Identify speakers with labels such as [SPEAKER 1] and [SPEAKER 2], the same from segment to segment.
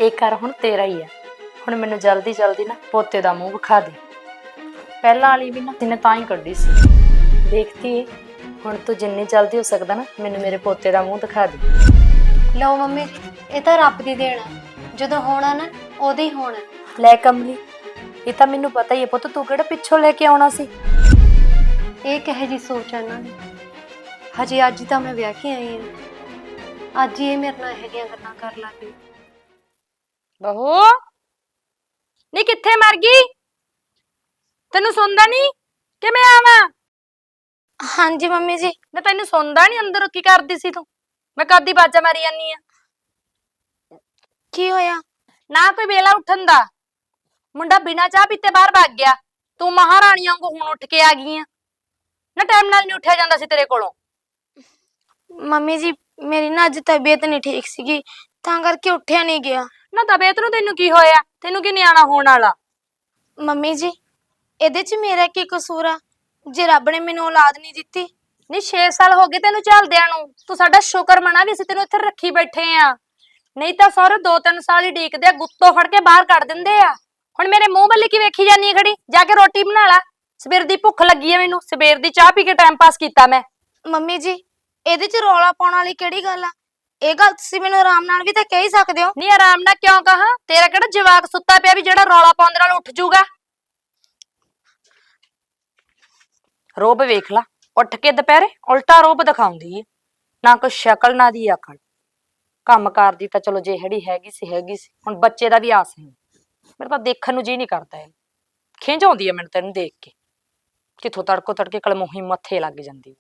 [SPEAKER 1] ਇਹ ਘਰ ਹੁਣ ਤੇਰਾ ਹੀ ਆ। ਹੁਣ ਮੈਨੂੰ ਜਲਦੀ ਜਲਦੀ ਨਾ ਪੋਤੇ ਦਾ ਮੂੰਹ ਵਿਖਾ ਦੇ। ਪਹਿਲਾਂ ਵਾਲੀ ਵੀ ਨਾ ਤੈਨੇ ਤਾਂ ਹੀ ਕੱਢੀ ਸੀ। ਦੇਖਤੀ ਹੁਣ ਤੂੰ ਜਿੰਨੀ ਜਲਦੀ ਹੋ ਸਕਦਾ ਨਾ ਮੈਨੂੰ ਮੇਰੇ ਪੋਤੇ ਦਾ ਮੂੰਹ ਦਿਖਾ ਦੇ।
[SPEAKER 2] ਲਓ ਮੰਮੀ ਜੀ, ਇਹ ਤਾਂ ਰੱਬ ਦੀ ਦੇਣ ਆ। ਜਦੋਂ ਹੋਣਾ ਨਾ ਉਦੋਂ ਹੀ ਹੋਣਾ।
[SPEAKER 1] ਲੈ ਕਮਲੀ, ਇਹ ਤਾਂ ਮੈਨੂੰ ਪਤਾ ਹੀ ਹੈ ਪੁੱਤ, ਤੂੰ ਕਿਹੜਾ ਪਿੱਛੋਂ ਲੈ ਕੇ ਆਉਣਾ ਸੀ।
[SPEAKER 2] ਇਹ ਕਹੇ ਜੀ ਸੋਚ ਆ ਇਹਨਾਂ ਦੀ। ਹਜੇ ਅੱਜ ਤਾਂ ਮੈਂ ਵਿਆਹ ਕੇ ਆਈ ਹਾਂ, ਅੱਜ ਹੀ ਇਹ ਮੇਰੇ ਨਾਲ ਇਹੋ ਜਿਹੀਆਂ ਗੱਲਾਂ ਕਰ ਲੱਗ ਪਈ।
[SPEAKER 1] ਬਹੂ ਨੀ ਕਿੱਥੇ ਮਰ ਗਈ? ਤੈਨੂੰ ਸੁਣਦਾ ਨਹੀਂ ਕਿ ਮੈਂ ਆਵਾਂ?
[SPEAKER 2] ਹਾਂਜੀ ਮੰਮੀ ਜੀ।
[SPEAKER 1] ਨਾ ਤੈਨੂੰ ਸੁਣਦਾ ਨਹੀਂ? ਅੰਦਰ ਕੀ ਕਰਦੀ ਸੀ ਤੂੰ? ਮੈਂ ਕਦੀ ਬਾਜਾ ਮਾਰੀ ਜਾਨੀ ਆ।
[SPEAKER 2] ਕੀ ਹੋਇਆ?
[SPEAKER 1] ਨਾ ਕੋਈ ਵੇਲਾ ਉੱਠਣ ਦਾ। ਮੁੰਡਾ ਬਿਨਾਂ ਚਾਹ ਪੀਤੇ ਬਾਹਰ ਭੱਗ ਗਿਆ। ਤੂੰ ਮਹਾਰਾਣੀ ਵਾਂਗੂ ਹੁਣ ਉੱਠ ਕੇ ਆ ਗਈ ਆ। ਨਾ ਟਾਈਮ ਨਾਲ ਨਹੀਂ ਉੱਠਿਆ ਜਾਂਦਾ ਸੀ ਤੇਰੇ ਕੋਲੋਂ।
[SPEAKER 2] ਮੰਮੀ ਜੀ ਮੇਰੀ ਨਾ ਅੱਜ ਤਬੀਅਤ ਨਹੀਂ ਠੀਕ ਸੀਗੀ, ਤਾਂ ਕਰਕੇ ਉੱਠਿਆ ਨਹੀਂ ਗਿਆ।
[SPEAKER 1] ਨਾ ਤਬੀਅਤ ਨੂੰ ਤੈਨੂੰ ਕੀ ਹੋਇਆ? ਤੈਨੂੰ ਕੀ ਨਿਆਣਾ ਹੋਣ ਵਾਲਾ?
[SPEAKER 2] ਮੰਮੀ ਜੀ ਇਹਦੇ 'ਚ ਮੇਰਾ ਕੀ ਕਸੂਰ ਆ ਜੇ ਰੱਬ ਨੇ ਮੈਨੂੰ ਔਲਾਦ ਨਹੀਂ ਦਿੱਤੀ?
[SPEAKER 1] ਨਹੀਂ 6 ਸਾਲ ਹੋ ਗਏ ਤੈਨੂੰ ਚੱਲਦਿਆਂ ਨੂੰ। ਤੂੰ ਸਾਡਾ ਸ਼ੁਕਰ ਮਨਾ ਵੀ ਅਸੀਂ ਤੈਨੂੰ ਇੱਥੇ ਰੱਖੀ ਬੈਠੇ ਆ। ਨਹੀਂ ਤਾਂ ਸਾਰੇ 2-3 ਸਾਲ ਹੀ ਢੀਕਦੇ ਆ, ਗੁੱਤੋਂ ਫੜ ਕੇ ਬਾਹਰ ਕੱਢ ਦਿੰਦੇ ਆ। ਹੁਣ ਮੇਰੇ ਮੂੰਹ ਵੱਲ ਕੀ ਵੇਖੀ ਜਾਨੀ ਹੈ ਖੜੀ? ਜਾ ਕੇ ਰੋਟੀ ਬਣਾ ਲੈ। ਸਵੇਰ ਦੀ ਭੁੱਖ ਲੱਗੀ ਹੈ ਮੈਨੂੰ। ਸਵੇਰ ਦੀ ਚਾਹ ਪੀ ਕੇ ਟਾਈਮ ਪਾਸ ਕੀਤਾ ਮੈਂ।
[SPEAKER 2] ਮੰਮੀ ਜੀ ਇਹਦੇ 'ਚ ਰੌਲਾ ਪਾਉਣ ਵਾਲੀ ਕਿਹੜੀ ਗੱਲ ਆ? ਇਹ ਗੱਲ ਤੁਸੀਂ ਮੈਨੂੰ ਆਰਾਮ ਨਾਲ ਵੀ ਤਾਂ ਕਹਿ ਹੀ ਸਕਦੇ ਹੋ।
[SPEAKER 1] ਨਹੀਂ ਆਰਾਮ ਨਾਲ ਕਿਉਂ ਕਹਾਂ? ਤੇਰਾ ਕਿਹੜਾ ਜਵਾਕ ਸੁੱਤਾ ਪਿਆ ਵੀ ਜਿਹੜਾ ਰੌਲਾ ਪਾਉਂਦੇ ਨਾਲ ਉੱਠ ਜਾਊਗਾ? ਰੋਬ ਵੇਖ ਲਾ, ਉੱਠ ਕੇ ਦੁਪਹਿਰੇ ਉਲਟਾ ਰੋਬ ਦਿਖਾਉਂਦੀ ਏ। ਨਾ ਕੋਈ ਸ਼ਕਲ ਨਾ ਦੀ ਅਕਲ। ਕੰਮ ਕਰਦੀ ਤਾਂ ਚਲੋ ਜਿਹੜੀ ਹੈਗੀ ਸੀ। ਹੁਣ ਬੱਚੇ ਦਾ ਵੀ ਆਸ ਨਹੀਂ। ਮੇਰੇ ਤਾਂ ਦੇਖਣ ਨੂੰ ਜੀ ਨਹੀਂ ਕਰਦਾ। ਇਹ ਖਿੰਝ ਆਉਂਦੀ ਹੈ ਮੈਨੂੰ ਤੈਨੂੰ ਦੇਖ ਕੇ। ਕਿੱਥੋਂ ਤੜਕੋ ਤੜਕੇ ਕਲਮੋਹੀ ਮੱਥੇ ਲੱਗ ਜਾਂਦੀ।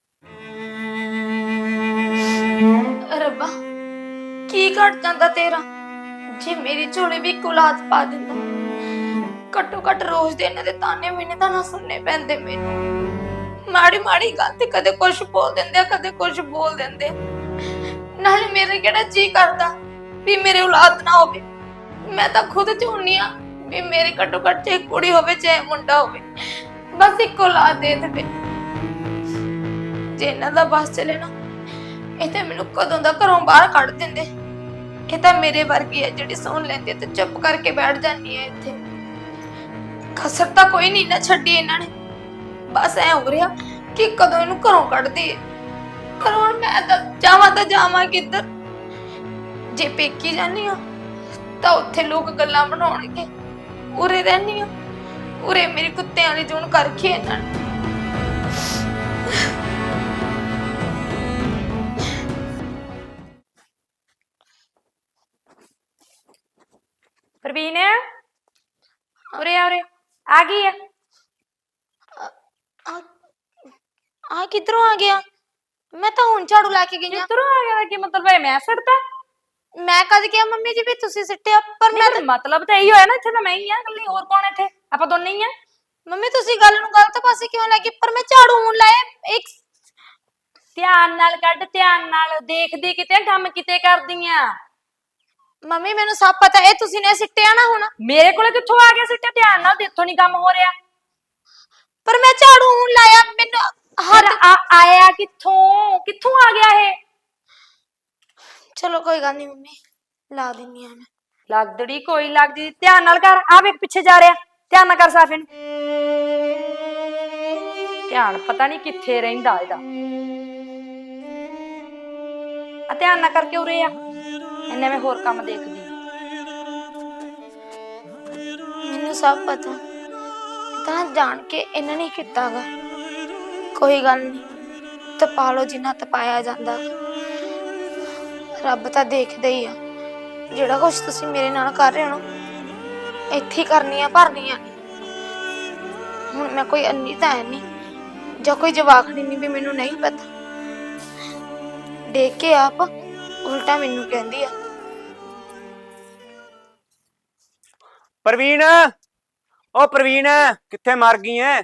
[SPEAKER 2] ਰੱਬਾ ਕੀ ਘਟ ਜਾਂਦਾ ਤੇਰਾ ਜੇ ਮੇਰੀ ਝੋਲੀ ਵੀ ਔਲਾਦ ਪਾ ਦਿੰਦਾ। ਘੱਟੋ ਘੱਟ ਰੋਜ਼ ਦੇ ਇਹਨਾਂ ਦੇ ਤਾਨੇ ਮੈਨੇ ਤਾਂ ਨਾ ਸੁਣਨੇ ਪੈਂਦੇ ਮੈਨੂੰ। ਮਾੜੀ ਮਾੜੀ ਗੱਲ ਤੇ ਕਦੇ ਕੁਛ ਬੋਲ ਦਿੰਦੇ ਆ, ਕਦੇ ਕੁਛ ਬੋਲ ਦਿੰਦੇ ਆ। ਨਾਲੇ ਮੇਰੇ ਕਿਹੜਾ ਜੀ ਕਰਦਾ ਵੀ ਮੇਰੇ ਔਲਾਦ ਨਾ ਹੋਵੇ। ਮੈਂ ਤਾਂ ਖੁਦ ਚਾਹੁੰਦੀ ਆ ਵੀ ਮੇਰੇ ਘੱਟੋ ਘੱਟ ਚਾਹੇ ਕੁੜੀ ਹੋਵੇ ਚਾਹੇ ਮੁੰਡਾ ਹੋਵੇ, ਬਸ ਇੱਕ ਔਲਾਦ ਦੇ ਦੇਵੇ। ਜੇ ਇਹਨਾਂ ਦਾ ਬਸ ਚੱਲੇ ਨਾ ਇਹ ਤਾਂ ਮੈਨੂੰ ਕਦੋਂ ਦਾ ਘਰੋਂ ਬਾਹਰ ਕੱਢ ਦਿੰਦੇ। ਇਹ ਤਾਂ ਮੇਰੇ ਵਰਗੀ ਹੈ ਜਿਹੜੀ ਸੁਣ ਲੈਂਦੀ ਤੇ ਚੁੱਪ ਕਰਕੇ ਬੈਠ ਜਾਂਦੀ ਹੈ ਇੱਥੇ। ਕਸਰ ਤਾਂ ਕੋਈ ਨਹੀਂ ਨਾ ਛੱਡੀ ਇਹਨਾਂ ਨੇ। ਬਸ ਐ ਹੋ ਰਿਹਾ ਕਿ ਕਦੋਂ ਇਹਨੂੰ ਘਰੋਂ ਕੱਢਦੀ ਹੈ। ਪਰ ਹੁਣ ਮੈਂ ਤਾਂ ਜਾਵਾਂ ਕਿੱਧਰ? ਜੇ ਪੇਕੀ ਜਾਨੀ ਆ ਤਾਂ ਉੱਥੇ ਲੋਕ ਗੱਲਾਂ ਬਣਾਉਣਗੇ। ਉਰੇ ਰਹਿਨੀ ਆ, ਉਰੇ ਮੇਰੀ ਕੁੱਤਿਆਂ ਵਾਲੀ ਜੂਨ ਕਰਕੇ ਇਹਨਾਂ ਨੇ।
[SPEAKER 1] ਪ੍ਰਵੀਨ ਉਰੇ ਆ ਗਈ ਹੈ।
[SPEAKER 2] ਆ ਕਿੱਧਰੋਂ ਆ ਗਿਆ? ਮੈਂ ਤਾਂ ਹੁਣ ਝਾੜੂ ਲਾ ਕੇ ਗਈ ਆ।
[SPEAKER 1] ਕਿੱਧਰੋਂ ਆ ਗਿਆ? ਕੀ ਮਤਲਬ ਹੈ ਮੈਂ ਸੜਦਾ?
[SPEAKER 2] ਮੈਂ ਕਦ ਕਿਹਾ ਮੰਮੀ ਜੀ ਵੀ ਤੁਸੀਂ ਸਿੱਟਿਆ? ਪਰ ਮੈਂ ਤਾਂ
[SPEAKER 1] ਮਤਲਬ ਤਾਂ ਇਹੀ ਹੋਇਆ ਨਾ, ਇੱਥੇ ਤਾਂ ਮੈਂ ਹੀ ਆ ਇਕੱਲੀ। ਹੋਰ ਕੌਣ ਇੱਥੇ? ਆਪਾਂ ਦੋਨੇ ਹੀ ਆ।
[SPEAKER 2] ਮੰਮੀ ਤੁਸੀਂ ਗੱਲ ਨੂੰ ਗਲਤ ਪਾਸੇ ਕਿਉਂ ਲੈ ਗਏ? ਪਰ ਮੈਂ ਝਾੜੂ ਹੁਣ ਲਾਇਆ। ਇੱਕ
[SPEAKER 1] ਧਿਆਨ ਨਾਲ ਕੱਢ, ਧਿਆਨ ਨਾਲ ਦੇਖਦੀ ਕਿਤੇ ਕੰਮ ਕਿਤੇ ਕਰਦੀ ਆ।
[SPEAKER 2] ਮੰਮੀ ਮੈਨੂੰ ਸਭ ਪਤਾ ਇਹ ਤੁਸੀਂ ਨੇ ਸਿੱਟਿਆ ਨਾ ਹੁਣ।
[SPEAKER 1] ਮੇਰੇ ਕੋਲੇ ਕਿੱਥੋਂ ਆ ਗਿਆ ਸਿੱਟਿਆ? ਧਿਆਨ ਨਾਲ ਦੇਖੋ, ਨਹੀਂ ਕੰਮ ਹੋ ਰਿਹਾ।
[SPEAKER 2] ਪਰ ਮੈਂ ਝਾੜੂ ਹੁਣ ਲਾਇਆ। ਮੈਨੂੰ
[SPEAKER 1] ਆਇਆ ਕਿੱਥੋਂ ਆ ਗਿਆ ਇਹ?
[SPEAKER 2] ਚਲੋ ਕੋਈ ਗੱਲ ਨਹੀਂ ਮੰਮੀ, ਲਾ ਦਿੰਨੀ ਆ ਮੈਂ।
[SPEAKER 1] ਲੱਗਦੀ ਕੋਈ ਲੱਗਦੀ। ਧਿਆਨ ਨਾਲ ਕਰ। ਆ ਵੇਖ ਪਿੱਛੇ ਜਾ ਰਿਹਾ। ਧਿਆਨ ਨਾਲ ਕਰ ਸਾਫੇ ਨੂੰ। ਧਿਆਨ ਪਤਾ ਨਹੀਂ ਕਿੱਥੇ ਰਹਿੰਦਾ ਇਹਦਾ। ਆ ਧਿਆਨ ਨਾਲ ਕਰਕੇ ਉਰੇ ਆ। ਇਹਨੇ ਮੈਂ ਹੋਰ ਕੰਮ ਦੇਖਦੀ।
[SPEAKER 2] ਮੈਨੂੰ ਸਭ ਪਤਾ ਤਾਂ ਜਾਣ ਕੇ ਇਹਨਾਂ ਨੇ ਕੀਤਾਗਾ। ਕੋਈ ਗੱਲ ਨਹੀਂ, ਤਪਾ ਲਓ ਜਿੰਨਾ ਤਪਾਇਆ ਜਾਂਦਾ। ਰੱਬ ਤਾਂ ਦੇਖਦਾ ਹੀ ਆ। ਜਿਹੜਾ ਕੁਛ ਤੁਸੀਂ ਮੇਰੇ ਨਾਲ ਕਰ ਰਹੇ ਹੋ ਨਾ ਇੱਥੇ ਕਰਨੀ ਆ, ਭਰਨੀ ਆ। ਹੁਣ ਮੈਂ ਕੋਈ ਅੰਨੀ ਤਾਂ ਹੈ ਨਹੀਂ ਜਾਂ ਕੋਈ ਜਵਾਖੜੀ ਨਹੀਂ ਵੀ ਮੈਨੂੰ ਨਹੀਂ ਪਤਾ। ਦੇਖ ਕੇ ਆਪ ਉਲਟਾ ਮੈਨੂੰ ਕਹਿੰਦੀ ਆ।
[SPEAKER 3] ਪ੍ਰਵੀਨ, ਓ ਪ੍ਰਵੀਨ ਕਿੱਥੇ ਮਰ ਗਈ ਐ?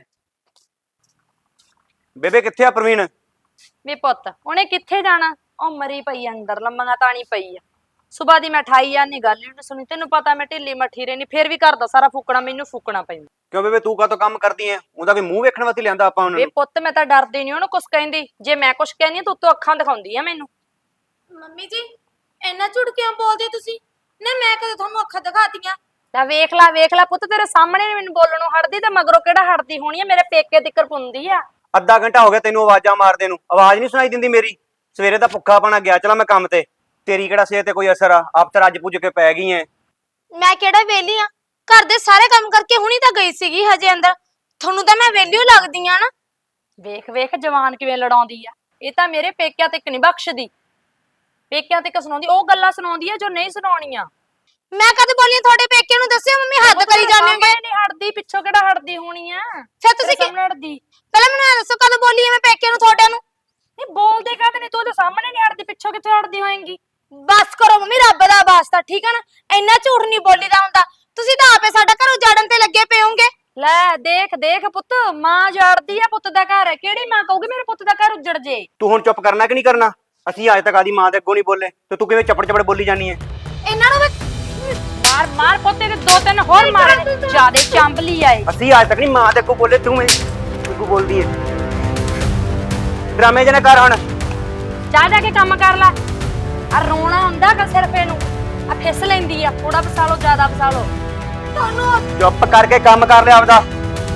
[SPEAKER 3] ਬੇਬੇ ਕਿੱਥੇ ਆ ਪ੍ਰਵੀਨ?
[SPEAKER 1] ਵੇ ਪੁੱਤ ਉਹਨੇ ਕਿੱਥੇ ਜਾਣਾ? ਉਹ ਮਰੀ ਪਈ ਅੰਦਰ, ਲੰਮੀਆਂ ਤਾਣੀ ਪਈ ਆ। ਸੁਬਾਹ ਦੀ ਮੈਂ ਠਾਈ ਜਾਂਦੀ, ਗੱਲ ਹੀ ਨਹੀਂ ਸੁਣੀ। ਤੈਨੂੰ ਪਤਾ ਮੈਂ ਢਿੱਲੀ ਮੱਠੀ ਰਹਿਨੀ, ਫੇਰ ਵੀ ਘਰ ਦਾ ਸਾਰਾ ਫੂਕਣਾ ਮੈਨੂੰ ਫੂਕਣਾ ਪੈਂਦਾ।
[SPEAKER 3] ਕਿਉਂ ਬੇਬੇ ਤੂੰ ਕਾਹਤੋਂ ਕੰਮ ਕਰਦੀ ਐ? ਉਹਦਾ ਕੋਈ ਮੂੰਹ ਵੇਖਣ ਵਾਸਤੇ ਲਿਆਂਦਾ ਆਪਾਂ ਉਹਨਾਂ
[SPEAKER 1] ਵੇ
[SPEAKER 3] ਨੂੰ।
[SPEAKER 1] ਪੁੱਤ ਮੈਂ ਤਾਂ ਡਰਦੀ ਨਹੀਂ ਉਹਨੂੰ ਕੁਛ ਕਹਿੰਦੀ। ਜੇ ਮੈਂ ਕੁਛ ਕਹਿੰਦੀ ਤਾਂ ਉੱਤੋਂ ਅੱਖਾਂ ਦਿਖਾਉਂਦੀ ਆ ਮੈਨੂੰ।
[SPEAKER 2] ਮੰਮੀ ਜੀ ਇੰਨਾ ਝੂਠ ਕਿਉਂ ਬੋਲਦੇ ਤੁਸੀਂ? ਨਾ ਮੈਂ ਕਦੇ ਤੁਹਾਨੂੰ ਅੱਖਾਂ ਦਿਖਾਤੀਆਂ?
[SPEAKER 1] ਤਾਂ ਵੇਖ ਲੈ ਪੁੱਤ, ਤੇਰੇ ਸਾਹਮਣੇ ਨੀ ਮੈਨੂੰ ਬੋਲਣ ਨੂੰ ਹਟਦੀ ਤੇ ਮਗਰੋਂ ਕਿਹੜਾ ਹਟਦੀ ਹੋਣੀ ਆ, ਮੇਰੇ ਪੇਕੇ ਤਿੱਕਰ ਪੁੰਦੀ ਆ।
[SPEAKER 3] ਅੱਧਾ ਘੰਟਾ ਹੋ ਗਿਆ ਤੈਨੂੰ ਆਵਾਜ਼ਾਂ ਮਾਰਦੇ ਨੂੰ, ਆਵਾਜ਼ ਨਹੀਂ ਸੁਣਾਈ ਦਿੰਦੀ ਮੇਰੀ? ਸਵੇਰੇ ਤਾਂ ਭੁੱਖਾ ਪਾਣਾ ਗਿਆ, ਚਲਾ ਮੈਂ ਕੰਮ ਤੇ। ਤੇਰੀ ਕਿਹੜਾ ਸਿਹਤ ਤੇ ਕੋਈ ਅਸਰ ਆ? ਆਪ ਤਾਂ ਰੱਜ ਪੁੱਜ ਕੇ ਪੈ ਗਈ ਐ।
[SPEAKER 2] ਮੈਂ ਕਿਹੜਾ ਵਿਹਲੀ ਆ? ਘਰ ਦੇ ਸਾਰੇ ਕੰਮ ਕਰਕੇ ਹੁਣੀ ਤਾਂ ਗਈ ਸੀਗੀ ਹਜੇ ਅੰਦਰ। ਤੁਹਾਨੂੰ ਤਾਂ ਮੈਂ ਵਿਹਲੀ ਓ ਲੱਗਦੀ ਆ ਨਾ।
[SPEAKER 1] ਵੇਖ ਜਵਾਨ ਕਿਵੇਂ ਲੜਾਉਂਦੀ ਆ। ਇਹ ਤਾਂ ਮੇਰੇ ਪੇਕਿਆਂ ਤੇ ਨਹੀਂ ਬਖਸ਼ਦੀ, ਪੇਕਿਆਂ ਤੇ ਸੁਣਾਉਂਦੀ, ਉਹ ਗੱਲਾਂ ਸੁਣਾਉਂਦੀ ਆ ਜੋ ਨਹੀਂ ਸੁਣਾਉਣੀਆਂ।
[SPEAKER 2] ਮੈਂ ਕਦੇ ਬੋਲੀ ਤੁਹਾਡੇ ਪੇਕੇ ਨੂੰ? ਦੱਸਿਓ ਮੰਮੀ, ਹੱਦ ਕਰੀ ਜਾਂਦੇ ਹੋਗੇ।
[SPEAKER 1] ਨਹੀਂ ਹਟਦੀ, ਪਿੱਛੋਂ ਕਿਹੜਾ ਹਟਦੀ ਹੋਣੀ ਆ?
[SPEAKER 2] ਫਿਰ ਤੁਸੀਂ
[SPEAKER 1] ਸਾਹਮਣੇ ਹਟਦੀ
[SPEAKER 2] ਪਹਿਲਾਂ ਮੈਨੂੰ ਇਹ ਦੱਸੋ, ਕਦੋਂ ਬੋਲੀ ਐ ਮੈਂ ਪੇਕੇ ਨੂੰ ਤੁਹਾਡੇ ਨੂੰ?
[SPEAKER 1] ਨਹੀਂ ਬੋਲਦੇ ਕਾਹਦੇ ਨਹੀਂ, ਤੂੰ ਉਹਦੇ ਸਾਹਮਣੇ ਨਹੀਂ ਹਟਦੀ, ਪਿੱਛੋਂ ਕਿੱਥੇ ਹਟਦੀ ਹੋਏਗੀ?
[SPEAKER 2] ਬਸ ਕਰੋ ਮੰਮੀ, ਰੱਬ ਦਾ ਵਾਸਤਾ, ਠੀਕ ਆ ਨਾ? ਇੰਨਾ ਝੂਠ ਨਹੀਂ ਬੋਲੀਦਾ ਹੁੰਦਾ। ਤੁਸੀਂ ਤਾਂ ਆਪੇ ਸਾਡਾ ਘਰ ਉਜਾੜਨ ਤੇ ਲੱਗੇ ਪਏ ਹੋਗੇ।
[SPEAKER 1] ਲੈ ਦੇਖ ਪੁੱਤ, ਮਾਂ ਜਾੜਦੀ ਆ ਪੁੱਤ ਦਾ ਘਰ। ਕਿਹੜੀ ਮਾਂ ਕਹੂਗੀ ਮੇਰੇ ਪੁੱਤ ਦਾ ਘਰ ਉੱਜੜ ਜੇ?
[SPEAKER 3] ਤੂੰ ਹੁਣ ਚੁੱਪ ਕਰਨਾ ਕਿ ਨਹੀਂ ਕਰਨਾ? ਅਸੀਂ ਅੱਜ ਤੱਕ ਆਦੀ ਮਾਂ ਦੇ ਅੱਗੋਂ ਨਹੀਂ ਬੋਲੇ ਤੇ ਤੂੰ ਕਿਵੇਂ ਚੱਪੜ ਬੋਲੀ ਜਾਨੀ ਐ?
[SPEAKER 2] ਇਹਨਾਂ ਨੂੰ
[SPEAKER 1] ਮਾਰ ਪੋਤੇ ਦੇ 2-3 ਹੋਰ ਮਾਰੇ, ਜਿਆਦੇ ਚੰਬਲੀ ਆਏ।
[SPEAKER 3] ਅਸੀਂ ਅੱਜ ਤੱਕ ਨਹੀਂ ਮਾਂ ਦੇ ਅੱਗੋਂ ਬੋਲੇ, ਤੂੰ ਮੈਨੂੰ ਬੋਲਦੀ ਐ। ਡਰਾਮੇ ਜਿਹੇ ਨਾ ਕਰ ਹੁਣ।
[SPEAKER 1] ਜਾ ਕੇ ਕੰਮ ਕਰ ਲੈ। ਆ ਰੋਣਾ ਹੁੰਦਾ ਕਿ ਸਿਰਫ ਇਹਨੂੰ ਆ ਫਿਸ ਲੈਂਦੀ ਆ, ਥੋੜਾ ਫਸਾਲੋ ਜ਼ਿਆਦਾ ਫਸਾਲੋ।
[SPEAKER 2] ਤੁਹਾਨੂੰ
[SPEAKER 3] ਚੁੱਪ ਕਰਕੇ ਕੰਮ ਕਰ ਲਿਆ ਆਪਦਾ।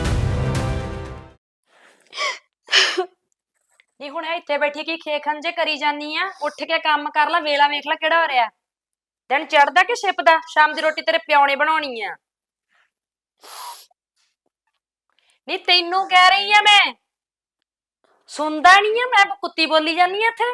[SPEAKER 1] ਨਹੀਂ ਹੁਣ ਇੱਥੇ ਬੈਠੀ ਕੀ ਖੇਖਣ ਜੇ ਕਰੀ ਜਾਨੀ ਆ? ਉੱਠ ਕੇ ਕੰਮ ਕਰ ਲੈ, ਵੇਲਾ ਵੇਖ ਲੈ ਕਿਹੜਾ ਹੋ ਰਿਹਾ। ਦਿਨ ਚੜਦਾ ਕਿ ਛਿਪਦਾ? ਸ਼ਾਮ ਦੀ ਰੋਟੀ ਤੇਰੇ ਪਿਓ ਨੇ ਬਣਾਉਣੀ ਆ। ਨਹੀਂ ਤੈਨੂੰ ਕਹਿ ਰਹੀ ਆ ਮੈਂ, ਸੁਣਦਾ ਨਹੀਂ ਆ? ਮੈਂ ਕੁੱਤੀ ਬੋਲੀ ਜਾਨੀ ਆ ਇੱਥੇ।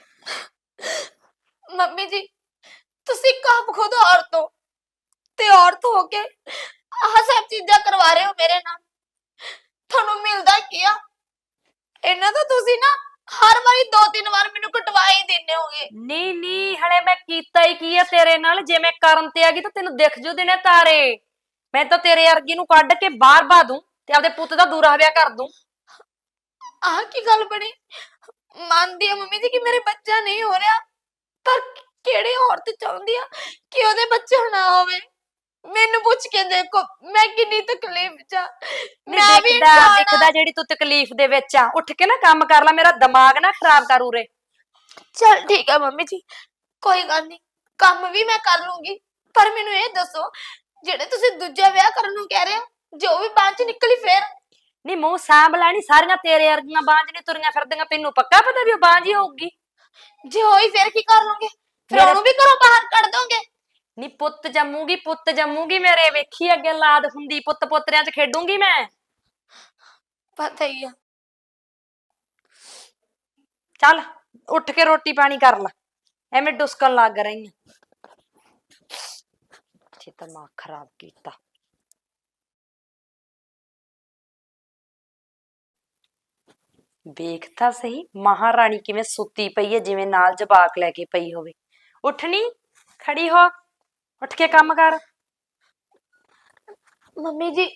[SPEAKER 2] ਮੰਮੀ ਜੀ, ਤੁਸੀਂ ਕੰਮ ਖੁਦ ਔਰਤ ਹੋ ਤੇ ਔਰਤ ਹੋ ਕੇ ਆਹ ਸਭ ਚੀਜ਼ਾਂ ਕਰਵਾ ਰਹੇ ਹੋ ਮੇਰੇ ਨਾਲ। ਤੁਹਾਨੂੰ ਮਿਲਦਾ ਕੀ ਆ? ਇਹਨਾਂ ਦਾ ਤੁਸੀਂ ਨਾ ਹਰ ਵਾਰੀ 2-3 ਵਾਰ ਮੈਨੂੰ ਕਟਵਾ ਹੀ ਦਿੰਦੇ ਹੋਗੇ।
[SPEAKER 1] ਨਹੀਂ ਹਲੇ ਮੈਂ ਕੀਤਾ ਹੀ ਕੀ ਆ ਤੇਰੇ ਨਾਲ? ਜੇ ਮੈਂ ਕਰਨ ਤੇ ਆ ਗਈ ਤਾਂ ਤੈਨੂੰ ਦਿਖ ਜੂ ਦਿਨੇ ਤਾਰੇ। ਮੈਂ ਤਾਂ ਤੇਰੇ ਅਰਗੀ ਨੂੰ ਕੱਢ ਕੇ ਬਾਹਰ ਬਾ ਦੂੰ ਤੇ ਆਪਦੇ ਪੁੱਤ ਦਾ ਦੂਰਾ ਵਿਆਹ ਕਰ ਦੂੰ।
[SPEAKER 2] ਆਹ ਕੀ ਗੱਲ ਬਣੀ? ਮੰਨਦੀ ਆ ਮੰਮੀ ਜੀ ਕਿ ਮੇਰੇ ਬੱਚਾ ਨਹੀਂ ਹੋ ਰਿਹਾ, ਪਰ ਕਿਹੜੀ ਔਰਤ ਚਾਹੁੰਦੀ ਆ ਕਿ ਉਹਦੇ ਬੱਚਾ ਨਾ ਹੋਵੇ? ਮੈਨੂੰ ਪੁੱਛ ਕੇ ਦੇਖੋ, ਮੈਂ ਕਿੰਨੀ ਤਕਲੀਫ ਚ ਆ। ਮੈਂ ਵੀ
[SPEAKER 1] ਦਿਖਦਾ ਜਿਹੜੀ ਤੂੰ ਤਕਲੀਫ ਦੇ ਵਿੱਚ ਆ। ਉੱਠ ਕੇ ਨਾ ਕੰਮ ਕਰ ਲੈ, ਮੇਰਾ ਦਿਮਾਗ ਨਾ ਖਰਾਬ ਕਰ ਉਰੇ।
[SPEAKER 2] ਚਲ ਠੀਕ ਹੈ ਮੰਮੀ ਜੀ, ਕੋਈ ਗੱਲ ਨਹੀਂ, ਕੰਮ ਵੀ ਮੈਂ ਕਰ ਲੂੰਗੀ। ਪਰ ਮੈਨੂੰ ਇਹ ਦੱਸੋ, ਜਿਹੜੇ ਤੁਸੀਂ ਦੂਜਾ ਵਿਆਹ ਕਰਨ ਨੂੰ ਕਹਿ ਰਹੇ ਹੋ, ਜੋ ਵੀ ਬਾਂਝ ਨਿਕਲੀ ਫੇਰ?
[SPEAKER 1] ਨਹੀਂ ਮੂੰਹ ਸਾਂਭ ਲੈ, ਨੀ ਸਾਰੀਆਂ ਤੇਰੇ ਅਰਗੀਆਂ ਬਾਂਝ ਨਹੀਂ ਤੁਰੀਆਂ ਫਿਰਦੀਆਂ। ਤੈਨੂੰ ਪੱਕਾ ਪਤਾ ਵੀ ਉਹ ਬਾਂਝ ਹੀ ਹੋਊਗੀ।
[SPEAKER 2] ਜੇ ਹੋਈ ਫੇਰ ਕੀ ਕਰ ਲਓਗੇ? ਫਿਰ ਉਹਨੂੰ ਵੀ ਘਰੋਂ ਬਾਹਰ ਕੱਢ ਦੋਗੇ?
[SPEAKER 1] ਨੀ ਪੁੱਤ ਜੰਮੂਗੀ ਮੇਰੇ। ਵੇਖੀ ਅੱਗੇ ਲਾਦ ਹੁੰਦੀ, ਪੁੱਤ ਪੋਤਰਿਆਂ 'ਚ ਖੇਡੂੰਗੀ ਮੈਂ।
[SPEAKER 2] ਪਤਾ ਹੀ ਆ।
[SPEAKER 1] ਚੱਲ ਉੱਠ ਕੇ ਰੋਟੀ ਪਾਣੀ ਕਰ ਲੈ, ਐਵੇਂ ਡੁਸਕਣ ਲੱਗ ਰਹੀ ਆ। ਤੇ ਦਿਮਾਗ ਖਰਾਬ ਕੀਤਾ। ਵੇਖ ਤਾਂ ਸਹੀ ਮਹਾਰਾਣੀ ਕਿਵੇਂ ਸੁੱਤੀ ਪਈ ਹੈ, ਜਿਵੇਂ ਨਾਲ ਜਵਾਕ ਲੈ ਕੇ ਪਈ ਹੋਵੇ। ਉੱਠਣੀ, ਖੜੀ ਹੋ, ਉੱਠ ਕੇ ਕੰਮ ਕਰ।
[SPEAKER 2] ਮੰਮੀ ਜੀ,